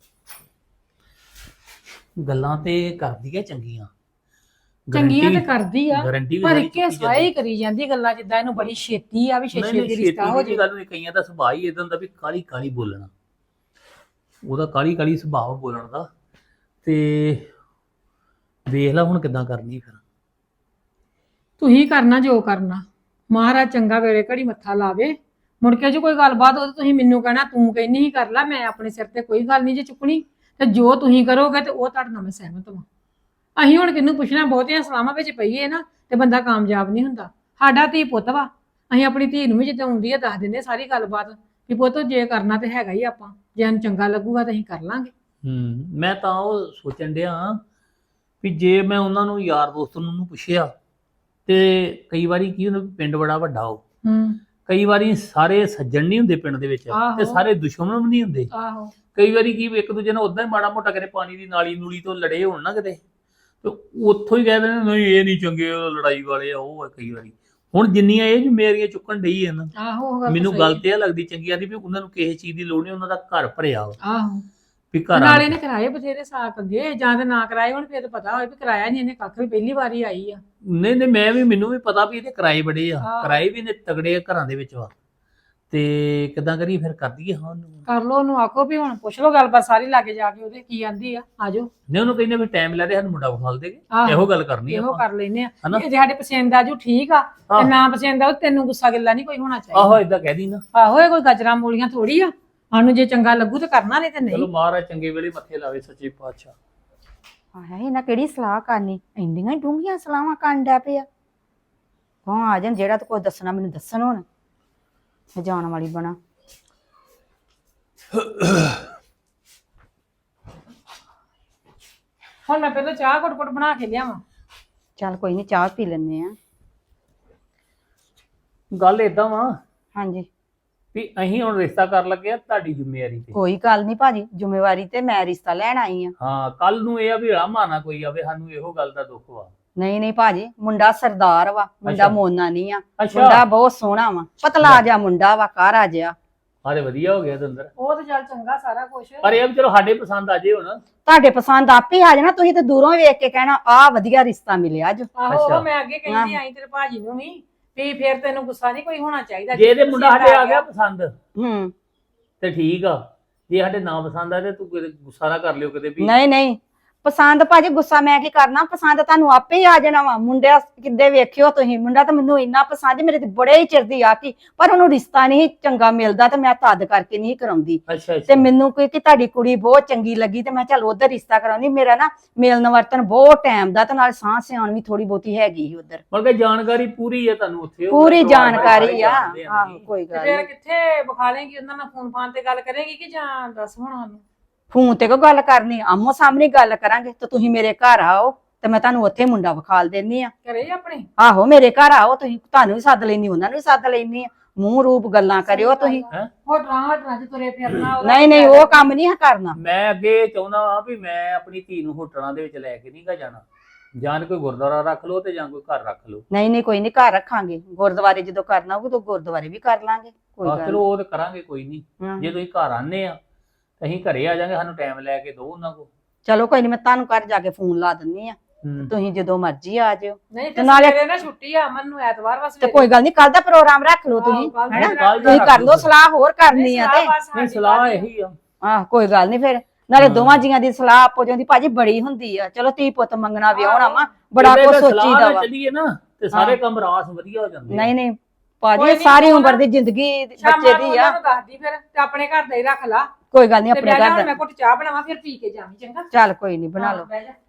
Speaker 4: ਗੱਲਾਂ ਤੇ ਕਰਦੀ ਹੈ ਚੰਗੀਆਂ,
Speaker 2: ਚੰਗੀਆਂ ਤੇ ਕਰਦੀ ਆ,
Speaker 4: ਗਾਰੰਟੀ ਵੀ
Speaker 2: ਪਰ
Speaker 4: ਸਾਰੀ
Speaker 2: ਇੱਕੇ
Speaker 4: ਚੁੱਕੀ
Speaker 2: ਸਾਈ
Speaker 4: ਜਾਂਦੀ।
Speaker 2: ਕਰੀ ਜਾਂਦੀ ਗੱਲਾਂ, ਜਿੱਦਾਂ ਇਹਨੂੰ ਬੜੀ ਛੇਤੀ ਆ ਵੀ
Speaker 4: ਨਹੀਂ
Speaker 2: ਛੇਤੀ
Speaker 4: ਨਹੀਂ
Speaker 2: ਰਿਸ਼ਤਾ ਹੋ
Speaker 4: ਛੇਤੀ
Speaker 2: ਜੇ।
Speaker 4: ਦੀ ਗੱਲ ਨਹੀਂ, ਕਈਆਂ ਦਾ ਸੁਭਾਅ ਹੀ ਇਦਾਂ ਦਾ ਵੀ ਕਾਲੀ ਕਾਲੀ ਬੋਲਣਾ। ਉਹਦਾ ਕਾਲੀ ਕਾਲੀ ਸੁਭਾਅ ਬੋਲਣ ਦਾ। ਤੇ ਵੇਖ ਲੈ ਹੁਣ ਕਿੱਦਾਂ ਕਰਨੀ ਫਿਰ।
Speaker 2: ਤੁਸੀਂ ਕਰਨਾ ਜੋ ਕਰਨਾ, ਮਹਾਰਾਜ ਚੰਗਾ ਵੇਲੇ ਘੜੀ ਮੱਥਾ ਲਾਵੇ। ਮੁੜ ਕੇ ਜੇ ਕੋਈ ਗੱਲਬਾਤ ਹੋ ਤਾਂ ਤੁਸੀਂ ਮੈਨੂੰ ਕਹਿਣਾ ਤੂੰ ਕਹਿੰਦੀ ਹੀ ਕਰ ਲੈ, ਮੈਂ ਆਪਣੇ ਸਿਰ ਤੇ ਕੋਈ ਗੱਲ ਨਹੀਂ ਜੇ ਚੁੱਕਣੀ। ਤੇ ਜੋ ਤੁਸੀਂ ਕਰੋਗੇ ਤੇ ਉਹ ਤੁਹਾਡੇ ਨਾਲ ਮੈਂ ਸਹਿਮਤ ਹਾਂ। ਅਸੀਂ ਹੁਣ ਕਿਹਨੂੰ ਪੁੱਛਣਾ, ਬਹੁਤੀਆਂ ਸਲਾਹਾਂ ਵਿੱਚ ਪਈਏ ਨਾ ਤੇ ਬੰਦਾ ਕਾਮਯਾਬ ਨਹੀਂ ਹੁੰਦਾ। ਸਾਡਾ ਧੀ ਪੁੱਤ ਵਾ, ਅਸੀਂ ਆਪਣੀ ਧੀ ਨੂੰ ਵੀ ਜਿੱਦਾਂ ਆਉਂਦੀ ਆ ਦੱਸ ਦਿੰਦੇ ਸਾਰੀ ਗੱਲਬਾਤ ਵੀ ਪੁੱਤ ਜੇ ਕਰਨਾ ਤੇ ਹੈਗਾ ਹੀ, ਆਪਾਂ ਜੇ ਸਾਨੂੰ ਚੰਗਾ ਲੱਗੂਗਾ ਤਾਂ ਅਸੀਂ ਕਰ ਲਾਂਗੇ।
Speaker 4: ਮੈਂ ਤਾਂ ਉਹ ਸੋਚਣ ਡਿਆ ਵੀ ਜੇ ਮੈਂ ਉਹਨਾਂ ਨੂੰ ਯਾਰ ਦੋਸਤ ਨੂੰ ਪੁੱਛਿਆ ਤੇ ਕਈ ਵਾਰੀ ਕੀ ਹੁੰਦਾ, ਪਿੰਡ ਬੜਾ ਵੱਡਾ ਹੋ, ਕਈ ਵਾਰੀ ਸਾਰੇ ਸੱਜਣ ਨਹੀਂ ਹੁੰਦੇ ਪਿੰਡ ਦੇ ਵਿੱਚ ਤੇ ਸਾਰੇ ਦੁਸ਼ਮਣ ਵੀ ਨਹੀਂ ਹੁੰਦੇ।
Speaker 2: ਆਹੋ
Speaker 4: ਕਈ ਵਾਰੀ ਕੀ ਇੱਕ ਦੂਜੇ ਨਾਲ ਉਦਾਂ ਹੀ ਮਾੜਾ ਮੋਟਾ ਕਿਤੇ ਪਾਣੀ ਦੀ ਨਾਲੀ ਨੂਲੀ ਤੋਂ ਲੜੇ ਹੋਣ ਨਾ ਕਿਤੇ, ਤੇ ਉੱਥੋਂ ਹੀ ਕਹਿ ਦਿੰਦੇ ਨਹੀਂ ਇਹ ਨਹੀਂ ਚੰਗੇ, ਉਹ ਲੜਾਈ ਵਾਲੇ ਆ, ਉਹ ਆ। ਕਈ ਵਾਰੀ ਹੁਣ ਜਿੰਨੀਆਂ ਇਹ ਮੇਰੀਆਂ ਚੁੱਕਣ ਡਈ ਹੈ ਨਾ, ਮੈਨੂੰ ਗੱਲ ਤੇ ਇਹ ਲੱਗਦੀ ਚੰਗੀ ਆਦੀ ਵੀ ਉਹਨਾਂ ਨੂੰ ਕਿਸੇ ਚੀਜ਼ ਦੀ ਲੋੜ ਨਹੀਂ, ਉਹਨਾਂ ਦਾ ਘਰ ਭਰਿਆ ਵਾ।
Speaker 2: ਆਹੋ
Speaker 4: ਵੀ ਘਰ
Speaker 2: ਨਾਲੇ ਨੇ ਕਰਾਏ ਬਥੇਰੇ ਸਾਕ ਅੱਗੇ, ਜਾਂ ਤੇ ਨਾ ਕਰਾਏ ਹੁਣ, ਫਿਰ ਤਾਂ ਪਤਾ ਹੋਏ ਵੀ ਕਰਾਇਆ ਨਹੀਂ ਇਹਨੇ ਕੱਖ ਵੀ, ਪਹਿਲੀ ਵਾਰੀ ਆਈ ਆ।
Speaker 4: ਨਹੀਂ ਮੈਨੂੰ ਵੀ ਪਤਾ ਵੀ ਇਹਦੇ ਕਿਰਾਏ ਬੜੇ ਆ, ਕਿਰਾਏ ਵੀ ਨੇ ਤਗੜੇ ਘਰਾਂ ਦੇ ਵਿੱਚ ਵਾ। ਤੇ ਕਿੱਦਾਂ ਕਰੀਏ ਫਿਰ, ਕਰ ਦਈਏ? ਹਾਂ
Speaker 2: ਕਰ ਲੋ, ਉਹਨੂੰ ਆਖੋ ਵੀ ਹੁਣ ਪੁੱਛ ਲੋ ਗੱਲਬਾਤ ਸਾਰੀ ਲਾਗੇ ਜਾ ਕੇ ਉਹਦੇ ਕੀ ਆਂਦੀ ਆ, ਆਜੋ।
Speaker 4: ਨਹੀਂ ਉਹਨੂੰ ਕਹਿੰਦੇ ਵੀ ਟਾਈਮ ਲੈ ਦੇ, ਸਾਨੂੰ ਮੁੰਡਾ ਵਿਖਾਲ ਦੇਗੇ, ਇਹੋ ਗੱਲ ਕਰਨੀ
Speaker 2: ਇਹੋ ਕਰ ਲੈਨੇ ਆ। ਜੇ ਸਾਡੇ ਪਸੰਦ ਆਜੂ ਠੀਕ ਆ, ਤੇ ਨਾ ਪਸੰਦ ਆਉ ਤੈਨੂੰ ਗੁੱਸਾ ਗਿੱਲਾ ਨਹੀਂ ਕੋਈ ਹੋਣਾ ਚਾਹੀਦਾ।
Speaker 4: ਆਹੋ ਏਦਾਂ ਕਹਿ ਦੀ ਨਾ।
Speaker 2: ਆਹੋ ਇਹ ਕੋਈ ਗਜਰਾ ਮੂਲੀਆਂ ਥੋੜੀ ਆ, ਸਾਨੂੰ ਜੇ ਚੰਗਾ ਲੱਗੂ ਤੇ ਕਰਨਾ, ਨਹੀਂ ਤੇ ਨਹੀਂ।
Speaker 4: ਚਲੋ ਮਹਾਰਾਜ ਚੰਗੇ ਵੇਲੇ ਮੱਥੇ ਲਾਵੇ ਸੱਚੇ ਪਾਤਸ਼ਾਹ।
Speaker 5: ਆਇਆ ਇਹਨਾਂ ਕਿਹੜੀ ਸਲਾਹ ਕਰਨੀ, ਇੰਨੀਆਂ ਡੂੰਘੀਆਂ ਸਲਾਹਾਂ ਕਰਨ ਡੈ ਪਿਆ। ਕੌਣ ਆ ਜਾਣ ਜਿਹੜਾ ਤੇ ਕੋਈ ਦੱਸਣਾ ਮੈਨੂੰ ਦੱਸਣ, ਹੁਣ ਮੈਂ ਜਾਣ ਵਾਲੀ ਬਣਾ।
Speaker 2: ਹੁਣ ਮੈਂ ਪਹਿਲਾਂ ਚਾਹ ਘੁੱਟ ਬਣਾ ਕੇ ਲਿਆਵਾਂ।
Speaker 5: ਚੱਲ ਕੋਈ ਨਹੀਂ, ਚਾਹ ਪੀ ਲੈਨੇ ਆ।
Speaker 4: ਗੱਲ ਏਦਾਂ ਵਾ
Speaker 5: ਹਾਂਜੀ
Speaker 4: ਵੀ ਅਸੀਂ ਹੁਣ ਰਿਸ਼ਤਾ ਕਰਨ ਲੱਗੇ ਆ ਤੁਹਾਡੀ ਜ਼ਿੰਮੇਵਾਰੀ ਤੇ।
Speaker 5: ਕੋਈ ਗੱਲ ਨਹੀਂ ਭਾਜੀ, ਜ਼ਿੰਮੇਵਾਰੀ ਤੇ ਮੈਂ ਰਿਸ਼ਤਾ ਲੈਣ ਆਈ ਆ।
Speaker 4: ਹਾਂ ਕੱਲ ਨੂੰ ਇਹ ਆ ਵੀ ਰਾਮਾ ਨਾ ਕੋਈ ਆਵੇ, ਸਾਨੂੰ ਇਹੋ ਗੱਲ ਦਾ ਦੁੱਖ ਵਾ।
Speaker 5: ਨਹੀਂ ਭਾਜੀ, ਮੁੰਡਾ ਸਰਦਾਰ ਵਾ, ਮੁੰਡਾ ਮੋਨਾ ਨਹੀਂ ਆ।
Speaker 4: ਅੱਛਾ।
Speaker 5: ਮੁੰਡਾ ਬਹੁਤ ਸੋਹਣਾ ਵਾ, ਪਤਲਾ ਜਿਹਾ ਮੁੰਡਾ ਵਾ, ਕਾਰਾ ਜਿਹਾ।
Speaker 4: ਅਰੇ ਵਧੀਆ ਹੋ ਗਿਆ ਦੰਦਰ।
Speaker 2: ਉਹ ਤੇ ਚੱਲ ਚੰਗਾ ਸਾਰਾ ਕੁਝ,
Speaker 4: ਪਰ ਇਹ ਵੀ ਚਲੋ ਸਾਡੇ ਪਸੰਦ ਆ ਜੇ ਹੁਣ।
Speaker 5: ਤੁਹਾਡੇ ਪਸੰਦ ਆਪੇ ਆ ਜਾਣਾ, ਤੁਸੀਂ ਤੇ ਦੂਰੋਂ ਵੇਖ ਕੇ ਕਹਿਣਾ ਆਹ ਵਧੀਆ ਰਿਸ਼ਤਾ ਮਿਲਿਆ ਅੱਜ।
Speaker 2: ਆਹੋ ਮੈਂ ਅੱਗੇ ਕਹਿੰਦੀ ਆਈ ਤੇਰੇ ਭਾਜੀ ਨੂੰ ਵੀ ਫੇਰ ਤੈਨੂੰ ਗੁੱਸਾ ਨਹੀਂ ਕੋਈ ਹੋਣਾ ਚਾਹੀਦਾ।
Speaker 4: ਜੇ ਇਹਦੇ ਮੁੰਡਾ ਸਾਡੇ ਆ ਗਿਆ ਪਸੰਦ ਤੇ ਠੀਕ ਆ, ਜੇ ਸਾਡੇ ਨਾ ਪਸੰਦ ਆ ਤੇ ਤੂੰ ਗੁੱਸਾ ਨਾ ਕਰ ਲਿਓ ਕਿਤੇ ਵੀ।
Speaker 5: ਨਹੀਂ ਪਸੰਦ ਭਾਜੀ, ਗੁੱਸਾ ਮੈਂ ਕੀ ਕਰਨਾ, ਪਸੰਦ ਤੁਹਾਨੂੰ ਆਪੇ ਹੀ ਆ ਜਾਣਾ ਵਾ। ਮੁੰਡਾ ਕਿੱਦੇ ਵੇਖਿਓ ਤੁਸੀਂ, ਮੁੰਡਾ ਤਾਂ ਮੈਨੂੰ ਇੰਨਾ ਪਸੰਦ, ਮੇਰੇ ਤੇ ਬੜੇ ਹੀ ਚਿਰ ਦੀ ਆਕੀ, ਪਰ ਉਹਨੂੰ ਰਿਸ਼ਤਾ ਨਹੀਂ ਚੰਗਾ ਮਿਲਦਾ ਤੇ ਮੈਂ ਤਦ ਕਰਕੇ ਨਹੀਂ ਕਰਾਉਂਦੀ। ਤੇ ਮੈਨੂੰ ਕੋਈ ਕਿ ਤੁਹਾਡੀ ਕੁੜੀ ਬਹੁਤ ਚੰਗੀ ਲੱਗੀ ਤੇ ਮੈਂ ਚੱਲ ਉਧਰ ਰਿਸ਼ਤਾ ਕਰਾਉਂਦੀ। ਮੇਰਾ ਨਾ ਮਿਲਣ ਵਰਤਨ ਬਹੁਤ ਟਾਈਮ ਦਾ, ਤੇ ਨਾਲ ਸਾਹ ਸਿਆਣ ਵੀ ਥੋੜੀ ਬਹੁਤੀ ਹੈਗੀ ਸੀ ਉਧਰ।
Speaker 4: ਮਤਲਬ ਕਿ ਜਾਣਕਾਰੀ ਪੂਰੀ ਹੈ ਤੁਹਾਨੂੰ ਉੱਥੇ?
Speaker 5: ਪੂਰੀ ਜਾਣਕਾਰੀ ਆ। ਆਹੋ ਕੋਈ ਗੱਲ
Speaker 2: ਨਹੀਂ। ਕਿੱਥੇ ਵਿਖਾ ਲੇਗੀ ਉਹਨਾਂ ਨਾਲ, ਫੋਨ ਫਾਨ ਤੇ ਗੱਲ ਕਰੇਗੀ ਕਿ ਜਾਂ ਦੱਸ ਹੁਣ ਸਾਨੂੰ?
Speaker 5: ਫੋਨ ਤੇ ਕੋ ਗੱਲ ਕਰਨੀ, ਆਮੋ ਸਾਹਮਣੇ ਗੱਲ ਕਰਾਂਗੇ। ਤੇ ਤੁਸੀਂ ਮੇਰੇ ਘਰ ਆਓ ਤੇ ਮੈਂ ਤੁਹਾਨੂੰ ਉੱਥੇ ਮੁੰਡਾ ਵਿਖਾਲ ਦੇਣੀ ਆ।
Speaker 2: ਕਰੇ ਆਪਣੇ?
Speaker 5: ਆਹੋ ਮੇਰੇ ਘਰ ਆਓ ਤੁਸੀਂ, ਤੁਹਾਨੂੰ ਵੀ ਸੱਦ ਲੈਣੀ, ਉਹਨਾਂ ਨੂੰ ਵੀ ਸੱਦ ਲੈਣੀ ਆ। ਮੂੰਹ ਰੂਪ ਗੱਲਾਂ ਕਰਿਓ ਤੁਸੀਂ।
Speaker 2: ਹੋਟਲਾਂ ਚ ਤੁਰੇ ਫਿਰਨਾ?
Speaker 5: ਨਹੀਂ ਉਹ ਕੰਮ ਨਹੀਂ ਕਰਨਾ।
Speaker 4: ਮੈਂ ਅੱਗੇ ਚਾਹੁੰਦਾ ਹਾਂ ਵੀ ਮੈਂ ਆਪਣੀ ਧੀ ਨੂੰ ਹੋਟਲਾਂ ਦੇ ਵਿੱਚ ਲੈ ਕੇ ਨਹੀਂ ਗਾ ਜਾਣਾ। ਜਾਂ ਕੋਈ ਗੁਰਦੁਆਰਾ ਰੱਖ ਲਓ ਤੇ ਜਾਂ ਕੋਈ ਘਰ ਰੱਖ ਲਓ।
Speaker 5: ਨਹੀਂ ਕੋਈ ਨਹੀਂ, ਘਰ ਰੱਖਾਂਗੇ। ਗੁਰਦੁਆਰੇ ਜਦੋਂ ਕਰਨਾ ਹੋਊਗਾ ਤਾਂ ਗੁਰਦੁਆਰੇ ਵੀ ਕਰ ਲਾਂਗੇ, ਕੋਈ ਗੱਲ
Speaker 4: ਚਲੋ ਉਹ ਤੇ ਕਰਾਂਗੇ, ਕੋਈ ਨਹੀਂ। ਜੇ ਤੁਸੀਂ ਘਰ ਆਨੇ ਆ ਅਸੀਂ ਘਰੇ ਆ ਜਾਾਂਗੇ, ਸਾਨੂੰ ਟਾਈਮ ਲੈ ਕੇ ਦਿਓ ਉਹਨਾਂ ਕੋਲ।
Speaker 5: ਚਲੋ ਕੋਈ ਨਹੀਂ, ਮੈਂ ਤੁਹਾਨੂੰ ਘਰ ਜਾ ਕੇ ਫੋਨ ਲਾ ਦਿੰਨੀ ਆ, ਤੁਸੀਂ ਜਦੋਂ ਮਰਜ਼ੀ ਆ ਜਿਓ।
Speaker 2: ਨਹੀਂ ਤੇ ਨਾਲੇ ਨਾ ਛੁੱਟੀ ਆ ਅਮਨ ਨੂੰ, ਐਤਵਾਰ ਵਾਸਤੇ।
Speaker 5: ਤੇ ਕੋਈ ਗੱਲ ਨਹੀਂ, ਕੱਲ ਦਾ ਪ੍ਰੋਗਰਾਮ ਰੱਖ ਲਓ ਤੁਸੀਂ, ਤੁਸੀਂ ਕਰ ਲਓ ਸਲਾਹ, ਹੋਰ ਕਰਨੀ ਆ ਤੇ।
Speaker 4: ਨਹੀਂ ਸਲਾਹ ਇਹੀ ਆ।
Speaker 5: ਆਹ ਕੋਈ ਗੱਲ ਨਹੀਂ, ਫਿਰ ਨਾਲੇ ਦੋਵਾਂ ਜੀਆਂ ਦੀ ਸਲਾਹ ਆਪੋ ਜਾਂਦੀ ਭਾਜੀ ਬੜੀ ਹੁੰਦੀ ਆ। ਚਲੋ ਧੀ ਪੁੱਤ ਮੰਗਣਾ ਵਿਆਹਣਾ ਵਾ, ਬੜਾ ਕੁਝ ਸੋਚੀਦਾ ਵਾ।
Speaker 4: ਚੱਲੀਏ ਨਾ ਤੇ ਸਾਰੇ ਕੰਮ ਰਾਸ ਵਧੀਆ ਹੋ ਜਾਂਦੇ।
Speaker 5: ਨਹੀਂ ਭਾਜੀ, ਸਾਰੀ ਉਮਰ ਦੀ ਜ਼ਿੰਦਗੀ ਬੱਚੇ ਦੀ ਆ।
Speaker 2: ਦੱਸਦੀ ਫਿਰ ਤੇ ਆਪਣੇ ਘਰ ਦਾ ਹੀ ਰੱਖ ਲਾ।
Speaker 5: ਕੋਈ ਗੱਲ ਨਹੀਂ, ਆਪਣੇ ਘਰ ਦਾ।
Speaker 2: ਮੈਂ ਘੁੱਟ ਚਾਹ ਬਣਾਵਾਂ ਫਿਰ ਪੀ ਕੇ ਜਾਵੀਂ, ਚੰਗਾ?
Speaker 5: ਚੱਲ ਕੋਈ ਨਹੀਂ, ਬਣਾ ਲਓ।